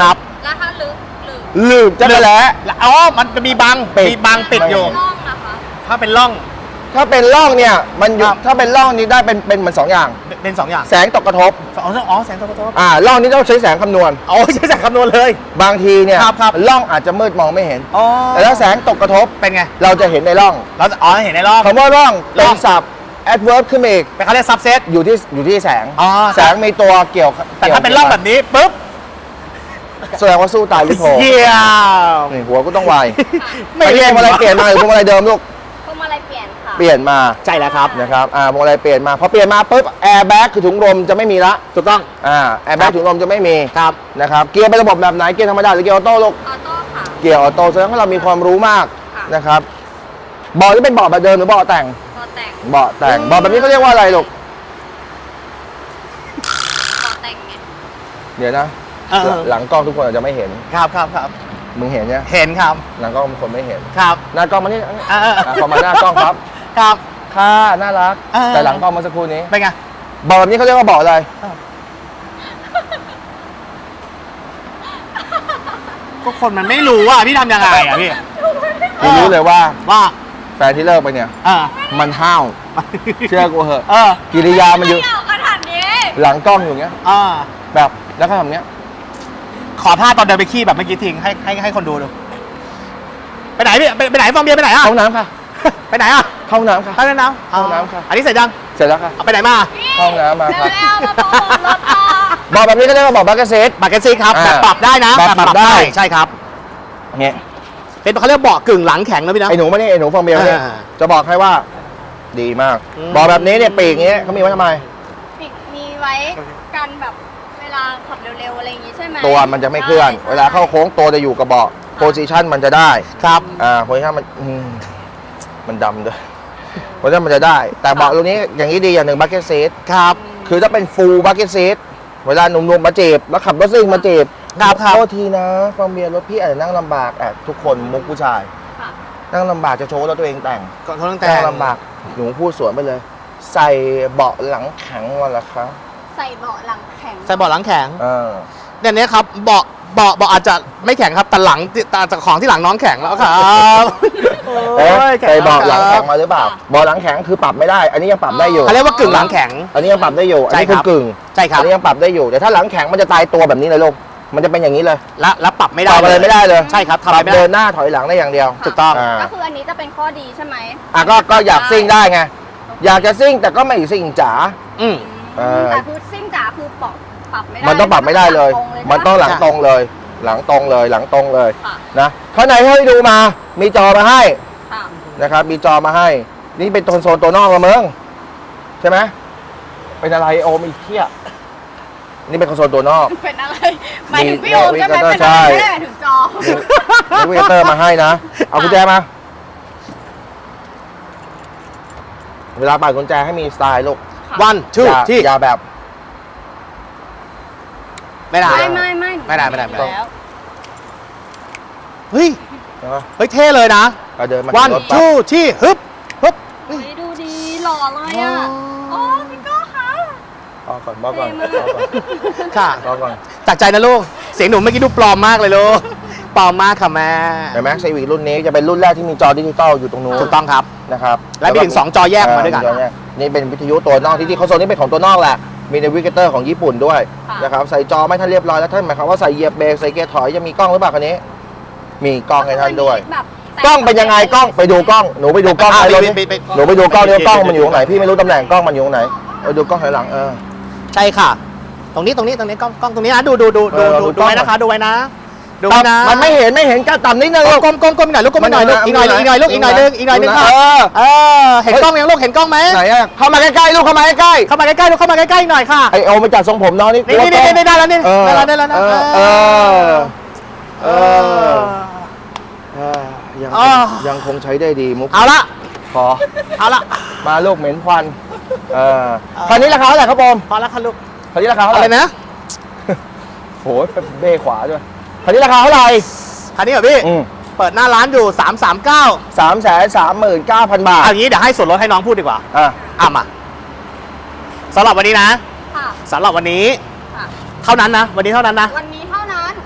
Speaker 3: แล้วถ้าลึกหรือ
Speaker 2: ลืมจะไปแล้ว
Speaker 1: อ๋อมันจะมีบัง
Speaker 2: ปิด
Speaker 1: มีบังปิดอยู่
Speaker 3: ร่องนะคะ
Speaker 1: ถ้าเป็นร่อง
Speaker 2: ถ้าเป็นร่องเนี่ยมันอยู่
Speaker 1: ครับ
Speaker 2: ถ้าเป็นร่องนี้ได้เป็นเป็นเหมือนสองอย่าง
Speaker 1: เป็นสองอย่าง
Speaker 2: แสงตกกระทบ
Speaker 1: อ๋ออ๋อแสงตะวันตก
Speaker 2: อ่าร่องนี้ต้องใช้แสงคำนวณ
Speaker 1: อ๋อใช้แสงคำนวณเลย
Speaker 2: บางทีเนี่ย
Speaker 1: ครับครับ
Speaker 2: ร่องอาจจะมืดมองไม่เห็น
Speaker 1: อ๋อ
Speaker 2: แต่ถ้าแสงตกกระทบ
Speaker 1: เป็นไง
Speaker 2: เราจะเห็นในร่อง
Speaker 1: เราจะอ๋อเห็นในร่อง
Speaker 2: คำว่าร่อง
Speaker 1: ร่
Speaker 2: เป็
Speaker 1: อน ง
Speaker 2: ศัพท์ adverb ขึ้นมาอีก
Speaker 1: เป็นเขาเรียกซับเซต
Speaker 2: อยู่ที่อยู่ที่แสง
Speaker 1: อ๋อ
Speaker 2: แสงมีตัวเกี่ยว
Speaker 1: แต่ถ้าเป็นร่องแบบนี้ปุ๊บ
Speaker 2: แสดงว่าสู้ตายหรือโผล่
Speaker 1: เยี่ยม
Speaker 2: นี่หัวก็ต้องไว
Speaker 1: ไม่
Speaker 2: ไปเรียกพวงมาลัยเปลี่ยนมาหรือพวงมาลัยเดิมลูก
Speaker 3: พวงมาลัยเปลี่ยนค่ะ
Speaker 2: เปลี่ยนมา
Speaker 1: ใช่แล้วครับ
Speaker 2: นะครับอ่าพวงมาลัยเปลี่ยนมาพอเปลี่ยนมาปุ๊บแอร์แบ็กคือถุงลมจะไม่มีละ
Speaker 1: ถูกต้อง
Speaker 2: อ่าแอร์แบ็กถุงลมจะไม่มี
Speaker 1: ครับ
Speaker 2: นะครับเกียร์เป็นระบบแบบไหนเกียร์ธรรมดาหรือเกียร์ออโต้ลูก
Speaker 3: ออโต้ค่ะ
Speaker 2: เกียร์ออโต้แสดงว่าเรามีความรู้มาก
Speaker 3: ค่ะ
Speaker 2: นะครับเบาะที่เป็นเบาะแบบเดิมหรือเบาะแต่ง
Speaker 3: ต่อแต่ง
Speaker 2: เบาะแต่งเบาะแบบนี้เขาเรียกว่าอะไรลูก
Speaker 3: ต่อแต่งไง
Speaker 2: เดี๋ยวนะ
Speaker 1: เออ
Speaker 2: หลังกล้องทุกคนอาจจะไม่เห็น
Speaker 1: ครับครับครับ
Speaker 2: มึงเห็นเนี่ย
Speaker 1: เห็นครับ
Speaker 2: หลังกล้องบางคนไม่เห็น
Speaker 1: ครับ
Speaker 2: หน้ากล้องมานี่
Speaker 1: เออเออ
Speaker 2: อ่ะพอมาหน้ากล้องครับ
Speaker 1: ครับ
Speaker 2: ค่ะน่ารัก
Speaker 1: เออ
Speaker 2: แต่หลังกล้องเมื่อสักครู่นี้
Speaker 1: เป็นไง
Speaker 2: เบาะแบบนี้เขาเรียกว่าเบาะอะไร
Speaker 1: ก็คนมันไม่รู้อ่ะพี่ทำยังไงอ่ะพี่
Speaker 2: กูรู้เลยว่า
Speaker 1: ว่า
Speaker 2: แฟนที่เลิกไปเนี่ย
Speaker 1: เออ
Speaker 2: มันห้าวเชื่อกูเหอะ
Speaker 1: เออ
Speaker 2: กิริยามันอยู่
Speaker 3: ไม่เอาขนาดนี้
Speaker 2: หลังกล้องอยู่อย่างเงี้ย
Speaker 1: เออ
Speaker 2: แบบแล้วก็ทำเงี้ย
Speaker 1: ขอท่าตอนเดินไปขี้แบบเมื่อกี้ทิ้งให้ให้ให้คนดูดูไปไหนพี่ไปไปไหนฟองเบียร์ไปไหนอ่ะ
Speaker 2: เข้าห้องน้ำค่ะ
Speaker 1: ไปไหนอ่ะ
Speaker 2: เข้าห้องน้ำค่ะ
Speaker 1: ไปเล่นน้ำ
Speaker 2: เข้าน้ำค่ะ
Speaker 1: อันนี้เสร็จยัง
Speaker 2: เสร็จแล้วค่ะ
Speaker 1: เอาไปไหนมา
Speaker 2: เข้าห้องน้ำมาครับ
Speaker 3: เร็วๆมาโปรโมทรถค่ะ
Speaker 2: เบาะแบบนี้ก็เรียกว่าเบาะบัคเก็ตซีท
Speaker 1: บักเก็ตซีครับ
Speaker 2: อ่า
Speaker 1: แบบปรับได้นะ
Speaker 2: แบบปรับได้
Speaker 1: ใช่ครับ
Speaker 2: เงี้ย
Speaker 1: เป็นเขาเรียกเบาะกึ่งหลังแข็งนะพี่นะ
Speaker 2: ไอ้หนูไม่ได้ไอ้หนูฟองเบียร์เนี่ย
Speaker 1: อ่า
Speaker 2: จะบอกให้ว่า ดีมาก
Speaker 1: อืม
Speaker 2: เบาะแบบนี้เนี่ยปีกอย่างเงี้ยเขามีไว้ทำไม
Speaker 3: ปิดมีไว้กันแบบเวลาขับเร็วๆอะไรอย่างงี้ใช่ไหม
Speaker 2: ตัวมันจะไม่เคลื่อน
Speaker 3: ใช่
Speaker 2: เวลาเข้าโค้งตัวจะอยู่กับเบาะโพซิชันมันจะได้
Speaker 1: ครับ
Speaker 2: อ่าโพซิชันมันอืมมันดำด้วยโพซิชันมันจะได้ แต่เบาะตรงนี้อย่างนี้ดีอย่างหนึ่งบัคเก็ตซีท
Speaker 1: ครับ
Speaker 2: คือถ้าเป็นฟูลบัคเก็ตซีทเวลาหนุ่มๆมาจีบแล้วขับรถซิ่งมาจีบ
Speaker 1: ครับครับ
Speaker 2: โทษทีนะฟองเบียร์รถพี่อาจจะนั่งลำบากแอบทุกคนมุกผู้ชาย
Speaker 3: ค่ะ
Speaker 2: นั่งลำบากจะโชว์ว่ารถตัวเองแต่ง
Speaker 1: ก็เขาต้องแต่
Speaker 2: นั่
Speaker 1: ง
Speaker 2: งลำบากหนูพูดสวนไปเลย ใส่เบาะหลังแข็งวันละครับ
Speaker 3: ใส่เบาะหลังแข็ง
Speaker 1: ใส่เบาะหลังแข็ง
Speaker 2: เออ
Speaker 1: เนี่ยเนี้ยครับเบาะเบาะเบาะอาจจะไม่แข็งครับแต่หลังแต่จากของที่หลังน้องแข็งแล้วครับ
Speaker 2: เอ๊ะ
Speaker 1: โอ้ย
Speaker 2: ใส่เบาะหลังแข็ง
Speaker 1: มา
Speaker 2: มาหรือเปล่าเบาะหลังแข็งคือปรับไม่ได้ อันนี้ยังปรับได้อยู่
Speaker 1: เขาเรียกว่ากึ่งหลังแข็ง
Speaker 2: อันนี้ยังปรับได้อยู่อันนี้
Speaker 1: ใช่ค
Speaker 2: คื
Speaker 1: รั
Speaker 2: อบ กึ่ง
Speaker 1: ใช่ครับ
Speaker 2: อันนี้ยังปรับได้อยู่แต่ถ้าหลังแข็งมันจะตายตัวแบบนี้เลยลูกมันจะเป็นอย่างนี้เลย
Speaker 1: และและปรับไม่
Speaker 2: ป
Speaker 1: ได้
Speaker 2: รับอะไรไม่ได้เลย
Speaker 1: ใช่ครับ
Speaker 2: ป
Speaker 1: ทำอะไร
Speaker 2: รับ
Speaker 1: ไม่
Speaker 2: เดิ
Speaker 1: ได้
Speaker 2: นหน้าถอยหลังได้อย่างเดียว
Speaker 1: ถูกต้อง
Speaker 2: อ่า
Speaker 3: ก็คืออันนี้จะเป็นข้อดีใช่ไหม
Speaker 2: อ่ะก็ก็อยากซิ่งได้ไงอยากจะซิ่งแต่ก็ไม่ซิ่งจ๋า
Speaker 1: อืม
Speaker 2: เออ
Speaker 3: แต่คือซิ่งจ๋าคือปรับปรับไม่ได้
Speaker 2: มันต้องปรับไม่ได้เลย มันต้องหลังตรงเลย หลังตรงเลย หลังตรงเลย
Speaker 3: ค่ะ
Speaker 2: นะข้างในให้ดูมา มีจอมาให้
Speaker 3: ค่ะ
Speaker 2: นะครับ มีจอมาให้ นี่เป็นโซนตัวนอกละเมืองใช่ไหมเป็นอะไรโอมอีกเที่ยนี่เป็นคอนโซลตัวนอก
Speaker 3: เป็นอะไรหมายถึงพี่โอมใช่ไหม
Speaker 2: มี
Speaker 3: เป็น
Speaker 2: ใช่
Speaker 3: อะไรไม่ได้หมายถึงจอ
Speaker 2: นี่วิเตอร์มาให้นะ เอากุญแจมา เวลาปัดกุญแจให้มีสไตล์ลูก
Speaker 1: วันชื่อ
Speaker 2: อย่า
Speaker 1: ที่
Speaker 2: อย่าแบบ
Speaker 1: ไม่ได้
Speaker 3: ไม่ไม่ไม่
Speaker 1: ไม่ได้ไม่ได้ไม่ได้
Speaker 3: แล้ว
Speaker 1: เฮ้ย
Speaker 2: ใช่ไหม
Speaker 1: เฮ้ยเท่เลยนะ
Speaker 2: ก็เดินมา
Speaker 1: วัน
Speaker 2: รถปั๊บ
Speaker 1: ชื่อที่ฮึบฮึบ
Speaker 3: เฮ้ยดูดีหล่อเลยอ่ะ
Speaker 1: อ๋อ
Speaker 3: โอ้พี่โก้คะ
Speaker 2: บอกก่อนบอกก่อน
Speaker 3: เท่มาก
Speaker 2: บอกก่อน
Speaker 1: ค่ะ
Speaker 2: บอกก่อน
Speaker 1: จากใจนะลูกเสียงหนูเมื่อกี้ดูปลอมมากเลยลูกปลอมมากค่ะแม่
Speaker 2: เห็นไหมซีวิกรุ่นนี้จะเป็นรุ่นแรกที่มีจอดิจิตอลอยู่ตรงนู้น
Speaker 1: ถูกต้องครับ
Speaker 2: นะครับ
Speaker 1: และมีถึงสองจอแยกมาด้วยกัน
Speaker 2: จอแยนี่เป็นวิทยุตัวนอกที่ที่เขาโซนนี้เป็นของตัวนอกแหละ มีในวิกเตอร์ของญี่ปุ่นด้วย
Speaker 3: ค่ะ
Speaker 2: นะครับใส่จอไม่ท่านเรียบร้อยแล้วท่านหมายความว่าใส่เหยียบเบรกใส่เกียร์ถอยจะมีกล้องหรือเปล่าคันนี้ มีกล้องให้ท่านด้วย
Speaker 3: แบบแต่
Speaker 2: กล้องเป็นยังไงกล้องไปดูกล้องหนูไปดูกล้อง
Speaker 1: อ่ะ
Speaker 2: ในรถ
Speaker 1: ไป
Speaker 2: นี้
Speaker 1: ไปไป
Speaker 2: หนูไปดูกล้องนี้ว่ากล้องมันอยู่ตรงไหนพี่ไม่รู้ตำแหน่งกล้องมันอยู่ตรงไหนเออดูกล้องถอยหลังเออ
Speaker 1: ใช่ค่ะ ตรงนี้ตรงนี้ตรงนี้กล้องกล้องตรงนี้นะดูดูดูดู
Speaker 2: เออ
Speaker 1: ดู
Speaker 2: ดู
Speaker 1: ดู
Speaker 2: กล้อง
Speaker 1: ไว้นะคะดูไว้นะดูไว้นะ
Speaker 2: มันไม่เห็นไม่เห็นก้าวต่ำนิดนึง
Speaker 1: ก้มก้มก้มอีกหน่อยลูกก้มอีกหน่อยลูกอีกหน่อยอีกหน่อยลูกอีกหน่อยนึงอีกหน่อยนึงค่ะ
Speaker 2: เออ
Speaker 1: เออเห็นกล้องยังลูกเห็นกล้องไหม
Speaker 2: ไหนอะเข้ามาใกล้ๆลูกเข้ามาใกล้
Speaker 1: เข้ามาใกล้ๆลูกเข้ามาใกล้ๆอีกหน่อยค่ะ
Speaker 2: ๆไอโอมาจัดทรงผมน้องนี่
Speaker 1: นี่นี่นี่นี่ได้แล้วนี่
Speaker 2: เออ
Speaker 1: ได้แล้วได้แล้วนะ
Speaker 2: เออเออเออ เออยัง
Speaker 1: อ๋อ
Speaker 2: ยังคงใช้ได้ดีมุก
Speaker 1: เอาละ
Speaker 2: พอ
Speaker 1: เอาละ
Speaker 2: มาลูกเหม็นควันเออคันนี้ราคาเท่าไหร่ครับผม
Speaker 1: พอแล้วค่ะลูก
Speaker 2: คันนี้ราคาเท่า
Speaker 1: อะ
Speaker 2: ไห
Speaker 1: ไร
Speaker 2: ร่
Speaker 1: นะ
Speaker 2: โหเบ้ขวาด้วยคันนี้ราคาเท่าไหร่
Speaker 1: คันนี้เหรอพี่
Speaker 2: อืม
Speaker 1: เปิดหน้าร้านอยู่สามสามเก้า
Speaker 2: สามแสนสามหมื่นเก้าพันบาท
Speaker 1: เอาอย่างนี้เดี๋ยวให้ส่วนลดให้น้องพูดดีกว่า
Speaker 2: อ่ะ
Speaker 1: อ่ะมาสำหรับวันนี้นะ
Speaker 3: ค่ะ
Speaker 1: สำหรับวันนี้
Speaker 3: ค่ะ
Speaker 1: เท่านั้นนะ วันนี้เท่านั้นนะ
Speaker 3: วันนี้เท่านั้น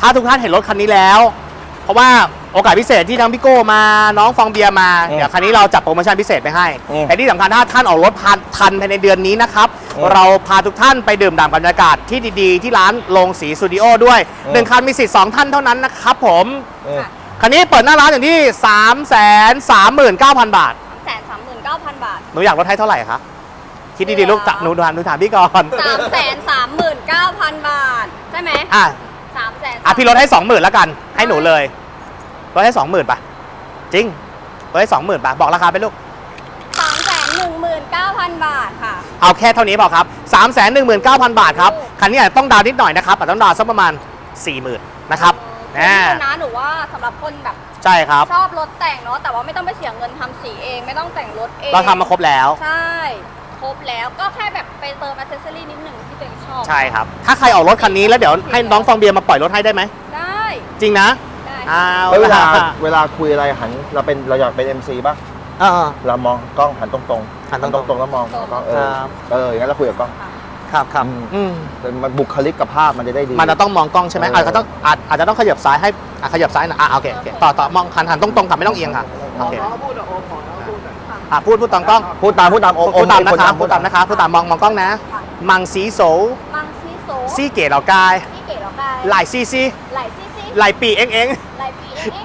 Speaker 1: ถ้าทุกท่านเห็นรถคันนี้แล้ว เพราะว่าโอกาสพิเศษที่ทั้งพี่โก้มาน้องฟองเบียร์มา
Speaker 2: อืม
Speaker 1: เดี๋ยวคันนี้เราจัดโปรโมชั่นพิเศษไปให้
Speaker 2: อืม
Speaker 1: แต่ที่สำคัญถ้าท่านออกรถพันทันภายในเดือนนี้นะครับ
Speaker 2: อืม
Speaker 1: เราพาทุกท่านไปดื่มด่ำกับบรรยากาศที่ดีๆ ที่ร้านโรงสีสตูดิโอด้วย
Speaker 2: อืม
Speaker 1: หนึ่งคันมีสิทธิ์สองท่านเท่านั้นนะครับผม
Speaker 2: อืม
Speaker 3: ค่ะ
Speaker 1: คันนี้เปิดหน้าร้านอย่างที่ สามแสนสามหมื่นเก้าพัน บาท
Speaker 3: สามแสนสามหมื่นเก้าพันบาท
Speaker 1: หนูอยากลดให้เท่าไหร่คะคิดดีๆลูกจะหนูถามหนูถามพี่ก่อน
Speaker 3: สามแสนสามหมื่นเก้าพันบาท ใช่ไหม
Speaker 1: อ่ะ
Speaker 3: สามแสน
Speaker 1: อ่ะพี่ลดให้สองหมื่นแล้วกันให้หนูเลยลดให้สองหมื่นป่ะจริงลดให้สองหมื่นป่ะบอกราคาไปลูก
Speaker 3: สามแสนหนึ่งหมื่นเก้าพันบาทค่ะ
Speaker 1: เอาแค่เท่านี้พอครับ สามแสนหนึ่งหมื่นเก้าพัน บาทครับ คันนี้อาจจะต้องดาวน์นิดหน่อยนะครับอาจจะต้องดาวน์สักประมาณ สี่หมื่น นะครับ
Speaker 3: เอ
Speaker 1: นะ
Speaker 3: อนะหนูว่าสำหรับคนแบบ
Speaker 1: ใช่ครับ
Speaker 3: ชอบรถแต่งเนาะแต่ว่าไม่ต้องไปเสียเงินทำสีเอง ไม่ต้องแต่งรถเอง
Speaker 1: เราทำมาครบแล้ว
Speaker 3: ใช่ ครบแล้วก็แค่แบบไปเติมอัเซสซอรี่นิดหนึ่งที่ตัวเองชอบ
Speaker 1: ใช่ครับ ถ้าใครออกรถคันนี้แล้วเดี๋ยวให้น้องฟองเบียร์มาปล่อยรถให้ได้ไหม
Speaker 3: ได้
Speaker 1: จริงนะ
Speaker 3: ได้
Speaker 1: อ้าว
Speaker 2: แล้วเวลา
Speaker 1: ล่ะ
Speaker 2: เวลาคุยอะไรหันเราเป็นเราอยากเป็น เอ็ม ซี ป่ะ
Speaker 1: เออ
Speaker 2: เรามองกล้องหันตรงๆ
Speaker 1: หันตรงๆ
Speaker 2: ตรงๆแล้วมองกล้องเออ
Speaker 1: ครับ
Speaker 2: เอออย่างนั้นเราคุยกับกล้อง
Speaker 1: ครับครับอืม
Speaker 2: แต่มันบุคลิกกับภาพมันจะได้ดี
Speaker 1: มันจะต้องมองกล้องใช่ไหม
Speaker 2: เอออ
Speaker 1: อาจจะต้องอาจอาจจะต้องขยับซ้ายให้อ่ะขยับซ้ายหนะอ่ะโอเคโอเคต่อต่อมองหันหันตรงๆค่ะไม่ต้องเอียงค่ะโอเคอ่ะพูดพูดตามกล้อง
Speaker 2: พูดตามพูดตามโอม
Speaker 1: พูดตาม
Speaker 2: โอ
Speaker 1: นะครับ
Speaker 2: ค
Speaker 1: พูดตามนะครับพูดตามมองมองกล้องนะ มังสีโส
Speaker 3: มังซีโซ
Speaker 1: ซี่เก๋เหล่ากาย
Speaker 3: ซี่เก๋แล้วกาย
Speaker 1: หลายซีซี
Speaker 3: ไหลซี่ซี่
Speaker 1: หลายปีเอ็งเอ็ง
Speaker 3: ไหลปีเอ๊ะ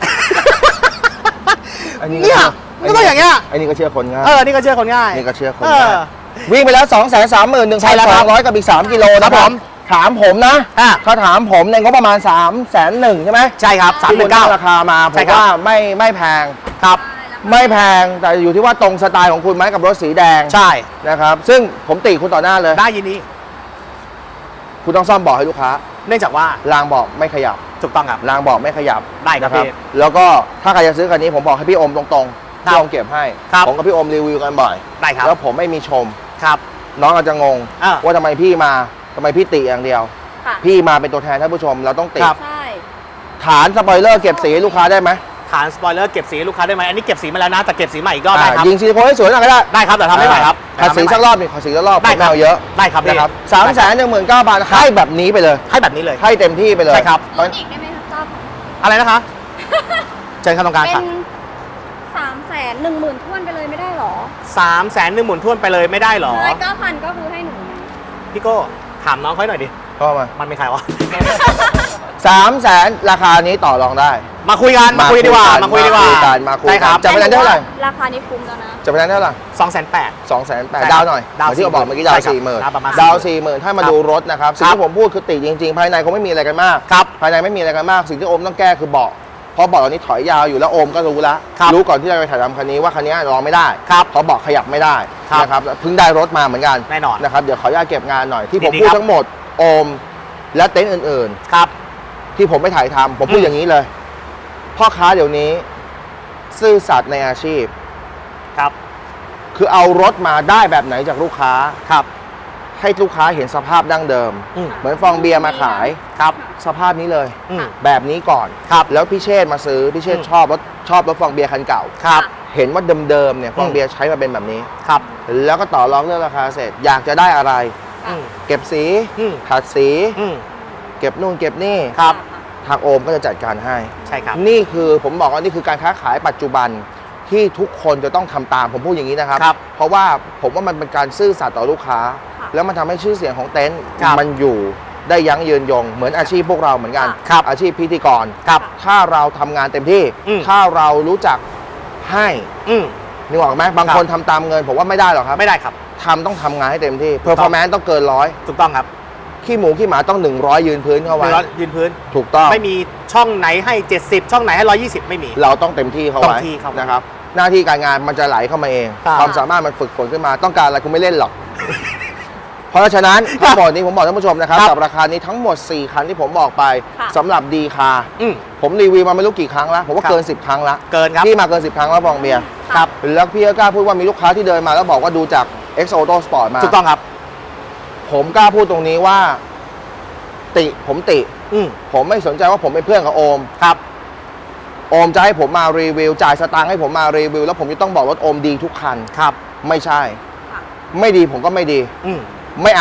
Speaker 2: อันนี้
Speaker 1: เนี่ยมันก็อย่างเงี้ย
Speaker 2: อันนี้ก็เชื่อคนง่าย
Speaker 1: เออนี่ก็เชื่อคนง่าย
Speaker 2: นี่ก็เชื่อคน
Speaker 1: เอ
Speaker 2: ง่าย
Speaker 1: อ
Speaker 2: วิ่งไปแล้ว สองแสนสามหมื่นหนึ่ง
Speaker 1: ใช่
Speaker 2: พัน
Speaker 1: แล้ว
Speaker 2: ส
Speaker 1: ครั
Speaker 2: อบ งร้อยกับอีกสามกิโล
Speaker 1: ครั
Speaker 2: นะ
Speaker 1: บ
Speaker 2: ผ
Speaker 1: ผม ม
Speaker 2: ถามผมนะ
Speaker 1: อ่ะ
Speaker 2: ถ้าถามผมในงบประมาณ3ามแสนหนึ่งใช่ไหม
Speaker 1: ใช่ครับสามหมื่นเก้า
Speaker 2: ที่คุณตั้งราคามาผ
Speaker 1: ใช่
Speaker 2: ม
Speaker 1: ครับ
Speaker 2: ว่าไม่ไม่แพง
Speaker 1: ครับ
Speaker 2: ไม่แพงแต่อยู่ที่ว่าตรงสไตล์ของคุณไหมกับรถสีแดง
Speaker 1: ใช่
Speaker 2: นะครับ ซึ่งผมติคุณต่อหน้าเลย
Speaker 1: ได้ยินนี้
Speaker 2: คุณต้องซ่อมเบาะให้ลูกค้า
Speaker 1: เนื่องจากว่าร
Speaker 2: างเบาะไม่ขยับ
Speaker 1: ถูกต้องครับ
Speaker 2: รางเบาะไม่ขยับ
Speaker 1: ได้ครับ
Speaker 2: นะ
Speaker 1: พี่
Speaker 2: แล้วก็ถ้าใครจะซื้อคันนี้ผมบอกให้พี่อมตรงๆ
Speaker 1: ครับ
Speaker 2: พี่อมเก็บให้
Speaker 1: ครับ
Speaker 2: ผมกับพี่อมรีวิวกันบ่อย
Speaker 1: ได้ครับ
Speaker 2: แล้วผมไม่มีชม
Speaker 1: ครับ
Speaker 2: น้องอาจจะงง
Speaker 1: อ่า
Speaker 2: ว่าทำไมพี่มาทำไมพี่ติอย่างเดียว
Speaker 3: ค่ะ
Speaker 2: พี่มาเป็นตัวแทนท่านผู้ชมเราต้องติ
Speaker 1: ครับ
Speaker 3: ใช่
Speaker 2: ฐานสปอยเลอร์เก็บสีให้ลูกค้าได้ไหม
Speaker 1: ฐานสปอยเลอร์เก็บสีให้ลูกค้าได้ไหมอันนี้เก็บสีมาแล้วนะแต่เก็บสีใหม่อีกรอบได้ครับ
Speaker 2: ยิงซิลิโคนให้สวยหน่อยก็ได้
Speaker 1: ได้ครับแต่ทำไม่ไหวครับ
Speaker 2: ขัดสีสักรอบหนึ่งขัดสีสักรอบ
Speaker 1: ได้
Speaker 2: ผม
Speaker 1: ครับ
Speaker 2: เอาเยอะ
Speaker 1: ได้ครับ
Speaker 2: นะครับ
Speaker 1: พี่
Speaker 2: สามแสนหนึ่งหมื่นเก้าพันให้แบบนี้ไปเลย
Speaker 1: ให้แบบนี้เลย
Speaker 2: ให้เต็มที่ไปเลย
Speaker 1: ใช่ครับ
Speaker 3: ลดอีกได้ไหมครับจ๊อบ
Speaker 1: อะไรนะคะเชิญครับตรงกลาง
Speaker 3: เป็
Speaker 1: ค่ะ
Speaker 3: นสามแสนหนึ่งหมื่นท้วนไปเลยไม่ได้หรอ
Speaker 1: สามแสนหนึ่งหมื่นท้วนไปเลยไม่ได้หรอ
Speaker 3: ใช่เก้าพันก็คือให้หนู
Speaker 1: พี่โก้ถามน้องเขาหน่อยดิ
Speaker 2: ก็มา
Speaker 1: มันเป็นใครวะ
Speaker 2: สามแสนราคานี้ต่อรองได้
Speaker 1: มาคุยกันมาคุยดีกว่ามาคุยดีกว่า
Speaker 2: มาคุยกันมาคุย
Speaker 1: ได้
Speaker 2: กั
Speaker 1: คน รับ
Speaker 2: จะไปนั้นเท่าไหร่
Speaker 3: ราคานี้คุ้มแล้วนะ
Speaker 2: จะไปนั้นเท่าไหร่
Speaker 1: สองแสนแปด
Speaker 2: สองแสนแปด
Speaker 1: ใช่ครับ
Speaker 2: ดาวหน่อย
Speaker 1: ดาว
Speaker 2: ที่เราบอกเมื่อกี้ดาว
Speaker 1: ใช่ครับ
Speaker 2: สี่หมื่น
Speaker 1: ดาวประมาณ
Speaker 2: ดาว
Speaker 1: สี่
Speaker 2: สี่
Speaker 1: ห
Speaker 2: ห
Speaker 1: มื่
Speaker 2: มื่
Speaker 1: น
Speaker 2: นถ้ามา
Speaker 1: ครับ
Speaker 2: ดูรถนะครับสิ่ง
Speaker 1: ครับ
Speaker 2: ที่ผมพูดคือติจริงๆ ภายในคงไม่มีอะไรกันมาก
Speaker 1: ครับ
Speaker 2: ภายในไม่มีอะไรกันมาก สิ่งที่โอมต้องแก้คือเบาะเพราะเบาะตอนนี้ถอยยาวอยู่แล้วโอมก็รู้แล้ว
Speaker 1: ครับ
Speaker 2: รู้ก่อนที่จะไปถ่ายทำคันนี้ว่าคันนี้รองไม่ได้
Speaker 1: ครับ
Speaker 2: เพราะเบาะขยับไม่ได้
Speaker 1: ครับ
Speaker 2: นะครับเพิ่งได้รถมาเหมือนกัน
Speaker 1: แน่นอน
Speaker 2: นะครับเดี๋ยวขออนุญาตเก็บงานหน่อยที่ผม
Speaker 1: ดีๆ
Speaker 2: พูด
Speaker 1: ครับ
Speaker 2: ทั้งหมดโอมและเต็นท์อื่น
Speaker 1: ครับ
Speaker 2: ๆ ที่ผมไม่ถ่ายทำผมพูด
Speaker 1: อืม
Speaker 2: อย่างนี้เลยพ่อค้าเดี๋ยวนี้ซื่อสัตย์ในอาชีพ
Speaker 1: ครับ
Speaker 2: คือเอารถมาได้แบบไหนจากลูกค้า
Speaker 1: ครับ
Speaker 2: ให้ลูกค้าเห็นสภาพดั้งเดิม
Speaker 1: อืม
Speaker 2: เหมือนฟองเบียร์มาขาย
Speaker 1: ครับ
Speaker 2: สภาพนี้เลย
Speaker 1: อืม
Speaker 2: แบบนี้ก่อน
Speaker 1: ครับ
Speaker 2: แล้วพี่เชษฐ์มาซื้อพี่เชษฐ์
Speaker 1: อืม
Speaker 2: ชอบรถชอบรถฟองเบียร์คันเก่า
Speaker 1: ครับ
Speaker 2: เห็นว่าเดิมๆเนี่ยฟอง
Speaker 1: อืม
Speaker 2: เบียร์ใช้มาเป็นแบบนี้
Speaker 1: ครับ
Speaker 2: แล้วก็ต่อรองเรื่องราคาเสร็จ อยากจะได้อะไร
Speaker 1: อืม
Speaker 2: เก็บสี
Speaker 1: อืม
Speaker 2: ขัดสี
Speaker 1: อืม
Speaker 2: เก็บนู่นเก็บนี่
Speaker 1: ครับ
Speaker 2: ทางโอมก็จะจัดการให้
Speaker 1: ใช่ครับ
Speaker 2: นี่คือผมบอกว่านี่คือการค้าขายปัจจุบันที่ทุกคนจะต้องทำตามผมพูดอย่างนี้นะครับ
Speaker 1: ครับ
Speaker 2: เพราะว่าผมว่ามันเป็นการซื่อสัตย์ต่อลูกค้า
Speaker 3: ค่ะ
Speaker 2: แล้วมันทำให้ชื่อเสียงของเต็นท์
Speaker 1: ครับ
Speaker 2: มันอยู่ได้ยั้งยืนยง เหมือนอาชีพพวกเราเหมือนกัน
Speaker 1: ครับ
Speaker 2: อาชีพพิธีกร
Speaker 1: ครับ
Speaker 2: ถ้าเราทำงานเต็มที่
Speaker 1: อืม
Speaker 2: ถ้าเรารู้จักให้
Speaker 1: อืม
Speaker 2: นึกออกไหมบาง
Speaker 1: ครับ
Speaker 2: คนทำตามเงินผมว่าไม่ได้หรอกครับ
Speaker 1: ไม่ได้ครับ
Speaker 2: ทำต้องทำงานให้เต็มที่
Speaker 1: ถูกต้อง
Speaker 2: performance ต้องเกินร้อย
Speaker 1: ถูกต้องครับ
Speaker 2: ขี้หมูขี้หมาต้องหนึ่งร้อยยืนพื้นเข้า
Speaker 1: ห
Speaker 2: ไว้
Speaker 1: นึ่งร้อยยืนพื้น
Speaker 2: ถูกต้อง
Speaker 1: ไม่มีช่องไหนให้เจ็ดสิบช่องไหนให้หนึ่งร้อยยี่สิบไม่มี
Speaker 2: เราต้องเต็มที่เข้า
Speaker 1: ต้อ
Speaker 2: ไว้
Speaker 1: งที่เข้าไว้
Speaker 2: นะครับ หน้าที่การงานมันจะไหลเข้ามาเอง
Speaker 1: ครับ
Speaker 2: ความสามารถมันฝึกฝนขึ้นมาต้องการอะไรคุณไม่เล่นหรอก เพราะฉะนั้นทั้งหมดนี้ผมบอกท่านผู้ชมนะครับ
Speaker 1: ครับ
Speaker 2: กับราคานี้ทั้งหมด สี่ คันที่ผมบอกไป
Speaker 3: ค่ะ
Speaker 2: สำหรับดีคา
Speaker 1: อืม
Speaker 2: ผมรีวิวมาไม่รู้กี่ครั้งแล้ว ผมว่า
Speaker 1: ครับ
Speaker 2: เกิน สิบ ครั้งแล้ว
Speaker 1: เกินครับ
Speaker 2: พี่มาเกิน สิบ ครั้งแล้วฟองเบียร์
Speaker 1: ครับ
Speaker 2: แล้วพี่ก็กล้าพูดว่ามีลูกค้าที่เดินมาแล้วบอกว่าดูจาก X Auto Sport มา
Speaker 1: ถูกต้องครับ
Speaker 2: ผมกล้าพูดตรงนี้ว่า ติผมติ
Speaker 1: อืม
Speaker 2: ผมไม่สนใจว่าผมเป็นเพื่อนกับโอม
Speaker 1: ครับ
Speaker 2: โอมจะให้ผมมารีวิวจ่ายสตางค์ให้ผมมารีวิวแล้วผมจะต้องบอกรถโอมดีทุกคัน
Speaker 1: ครับ
Speaker 2: ไม่ใช่
Speaker 3: ค่ะ
Speaker 2: ไม่ดีผมก็ไม่ดี
Speaker 1: อืม
Speaker 2: ไม่เอา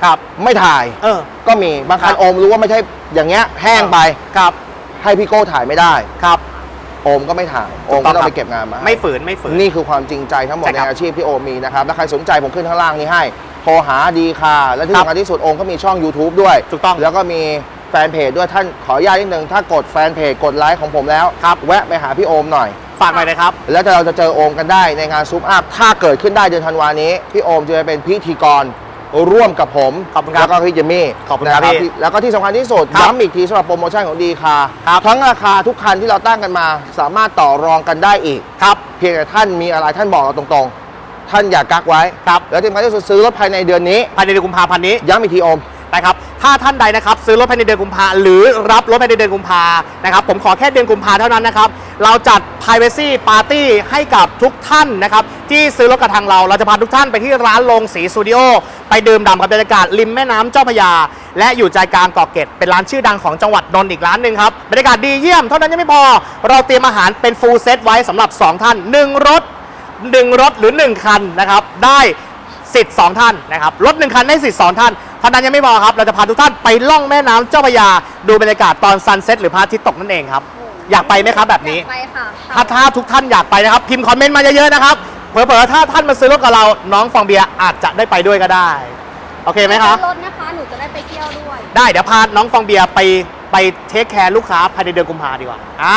Speaker 1: ครับ
Speaker 2: ไม่ถ่าย
Speaker 1: เออ
Speaker 2: ก็มีบางคัน
Speaker 1: ครับ
Speaker 2: โอมรู้ว่าไม่ใช่อย่างเงี้ยแห้งไป
Speaker 1: ครับ
Speaker 2: ให้พี่โก้ถ่ายไม่ได้
Speaker 1: ครับ
Speaker 2: โอมก็ไม่ถ่ายโอม
Speaker 1: ถูกต้
Speaker 2: ก็
Speaker 1: อง
Speaker 2: ต้อง
Speaker 1: ครับ
Speaker 2: ไปเก็บงานมา
Speaker 1: ไม่ฝืนไม่ฝืน
Speaker 2: นี่คือความจริงใจทั้งหมด
Speaker 1: ใช่
Speaker 2: ใน
Speaker 1: ครับ
Speaker 2: อาชีพที่โอมมีนะครับถ้าใครสนใจผมขึ้นข้างล่างนี้ให้โทรหาดีคาและที่
Speaker 1: ครับ
Speaker 2: สำคัญที่สุดโอมก็มีช่อง YouTube ด้วย
Speaker 1: ถูกต้อง
Speaker 2: แล้วก็มีแฟนเพจด้วยท่านขออนุญาตนิดนึงถ้ากดแฟนเพจกดไลค์ของผมแล้ว
Speaker 1: ครับ
Speaker 2: แวะไปหาพี่โอมหน่อย
Speaker 1: ฝากหน่อยนะครับ
Speaker 2: แล้วเราจะเจอโอมกันได้ในงานซูปอัพถ้าเกิดขึ้นได้เดือนธันวานี้ พี่โอมจะเป็นพิธีกรร่วมกับผม
Speaker 1: ขอบคุณครับ
Speaker 2: แล้วก็พี่เจมี่
Speaker 1: ขอบคุณครับ
Speaker 2: นะ
Speaker 1: พี่
Speaker 2: แล้วก็ที่สำคัญที่สุด
Speaker 1: ครับ
Speaker 2: ย้ำอีกทีสำหรับโปรโมชั่นของดีคา
Speaker 1: ครับ
Speaker 2: ทั้งราคาทุกคันที่เราตั้งกันมา สามารถต่อรองกันได้อีก
Speaker 1: ครับ
Speaker 2: เพียงแต่ท่านมีอะไรท่านบอกเราตรงๆ ท่านอย่ากักไว้
Speaker 1: ครับ
Speaker 2: แล้วที่สำคัญที่สุดซื้อรถภายในเดือนนี้
Speaker 1: ภายในเดือนกุมภาพันธ์นี้
Speaker 2: ย้ำอีกทีโอม
Speaker 1: นะครับ ถ้าท่านใดนะครับซื้อรถภายในเดือนกุมภาหรือรับรถภายในเดือนกุมภานะครับผมขอแค่เดือนกุมภาเท่านั้นนะครับเราจัด Privacy Party ให้กับทุกท่านนะครับที่ซื้อรถกับทางเราเราจะพาทุกท่านไปที่ร้านลงสีสตูดิโอไปดื่มด่ำกับบรรยากาศริมแม่น้ำเจ้าพระยา และอยู่ใจกลางเกาะเกร็ดเป็นร้านชื่อดังของจังหวัดนนท์อีกร้านหนึ่งครับบรรยากาศดีเยี่ยมเท่านั้นยังไม่พอเราเตรียมอาหารเป็นฟูลเซตไว้สำหรับสองท่านหนึ่งรถหนึ่งรถหรือหนึ่งคันนะครับได้สิทธิ์สองท่านนะครับรถหนึ่งคันได้สิทธิ์สองท่านเท่านั้นยังไม่พอครับเราจะพาทุกท่านไปล่องแม่น้ำเจ้าพระยาดูบรรยากาศตอนซันเซ็ตหรือพระอาทิตย์ตกนั่นเองครับอยากไปไหมครับแบบนี้
Speaker 3: อยากไปค่ะ
Speaker 1: ถ้าถ้าทุกท่านอยากไปนะครับพิมพ์คอมเมนต์มาเยอะๆนะครับเผลอๆถ้าท่านมาซื้อรถกับเราน้องฟองเบียร์อาจจะได้ไปด้วยก็ได้โอเคไหมครับ
Speaker 3: รถนะคะหนูจะได้ไปเที่ยวด้วย
Speaker 1: ได้เดี๋ยวพาน้องฟองเบียร์ไปไปเทคแคร์ลูกค้าภายในเดือนกุมภาดีกว่าอ่า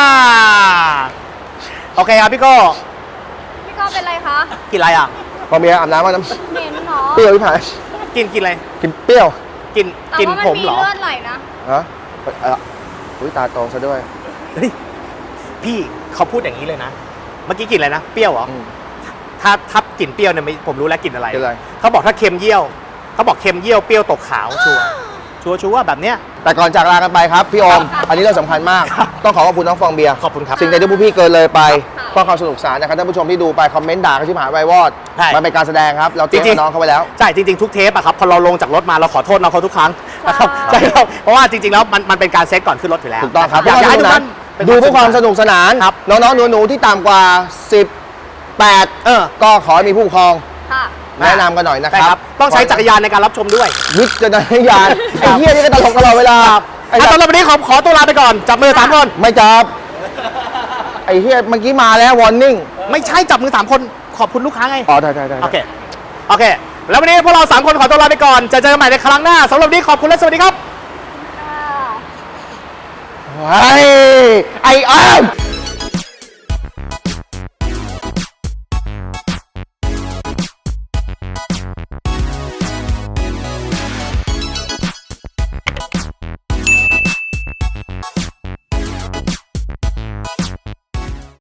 Speaker 1: โอเคครับพี่โก้
Speaker 3: พี่ก้อเป็นไรคะ
Speaker 1: กินอะไรอ่ะ
Speaker 2: พอเมียอาบน้ำมาน้ำ
Speaker 3: เหม็นเนาะ
Speaker 2: เปรี้ยวพี่ผาย
Speaker 1: กินกินอะไร
Speaker 2: กินเปรี้ยว
Speaker 1: กิน
Speaker 3: แต่
Speaker 1: กิน
Speaker 3: ว่ามัน
Speaker 1: ผม
Speaker 3: มี
Speaker 1: เหรอ
Speaker 3: เลือดไหลนะ
Speaker 2: ฮะเอออุ้ยตาโตซะด้วย
Speaker 1: เฮ้ยพี่เขาพูดอย่างนี้เลยนะ เมื่อกี้กินอะไรนะเปรี้ยวเหรอ
Speaker 2: อืม
Speaker 1: ถ้าถ้ากลิ่นเปรี้ยวเนี่ยไม่ผมรู้แล้วกลิ่นอะไร
Speaker 2: กลิ่นอะไร
Speaker 1: เขาบอกถ้าเค็มเยี่ยวเขาบอกเค็มเยี่ยวเปรี้ยวตกขาวชัวร์ชัวร์ชัวร์แบบเนี้ย
Speaker 2: แต่ก่อนจากลากันไปครับพี่โอม
Speaker 3: ครับ
Speaker 2: อันนี้เรื่องสำคัญมาก
Speaker 1: ครับ
Speaker 2: ต้องขอขอบคุณน้องฟองเบียร์
Speaker 1: ขอบคุณครับ
Speaker 2: สิ่งใดที่ผู้พี่เกินเลยไป
Speaker 3: ครับ
Speaker 2: เพื่อความสนุกสนานนะครับท่านผู้ชมที่ดูไปคอมเมนต์ด่ากันชิบหายไวายวอด
Speaker 1: ใช่
Speaker 2: มันเป็นการแสดงครับ เราเตรียม
Speaker 1: จริ
Speaker 2: กับ
Speaker 1: งๆ
Speaker 2: น้องเขาไว้แล้ว
Speaker 1: ใช่จริงๆทุกเทปอะครับพอเราลงจากรถมาเราขอโทษน้องเขาทุกครั้งนะครับ
Speaker 3: ใช่
Speaker 1: ใช่ครับเพราะว่าจริงๆแล้วมันมันเป็นการเซตก่อนขึ้นรถอยู่แล้ว
Speaker 2: ถูกต้องครับ
Speaker 1: อยากจะให้ทุกท่าน
Speaker 2: ดูเพื่อความสนุกสนาน
Speaker 1: ครับ
Speaker 2: น้องๆหนูๆที่ต่ำกว่าสิบแปด
Speaker 1: เออ
Speaker 2: ก็ขอให้มีผู้ปกครอง
Speaker 3: ค่ะ
Speaker 2: แนะนำกันหน่อยนะค
Speaker 1: ใช่
Speaker 2: รับ
Speaker 1: ครับต้องใช้จักรยานในการรับชมด้วย
Speaker 2: วิจารณญาณไอ้เหี้ยนี่ก็ตลกตลอดเวลาไอ้
Speaker 1: อ่ะ
Speaker 2: สั
Speaker 1: สำ
Speaker 2: ตว์
Speaker 1: หรับวันนี้ขอขอตัวลาไปก่อนจับมือสามคน
Speaker 2: ไม่จับไอ้เหี้ยเมื่อกี้มาแล้ววอร์นิ่ง
Speaker 1: ไม่ใช่จับมือสามคนขอบคุณลูกค้าไง
Speaker 2: อ๋อได้ได้ได้
Speaker 1: โอเคโอเค แล้ววันนี้พวกเราสามคนขอตัวลาไปก่อนจะเจอกันใหม่ในครั้งหน้าสำหรับวันนี้ขอบคุณและสวัสดีครับ
Speaker 3: ค่ะ
Speaker 2: ไอ้ไอ้อ้าม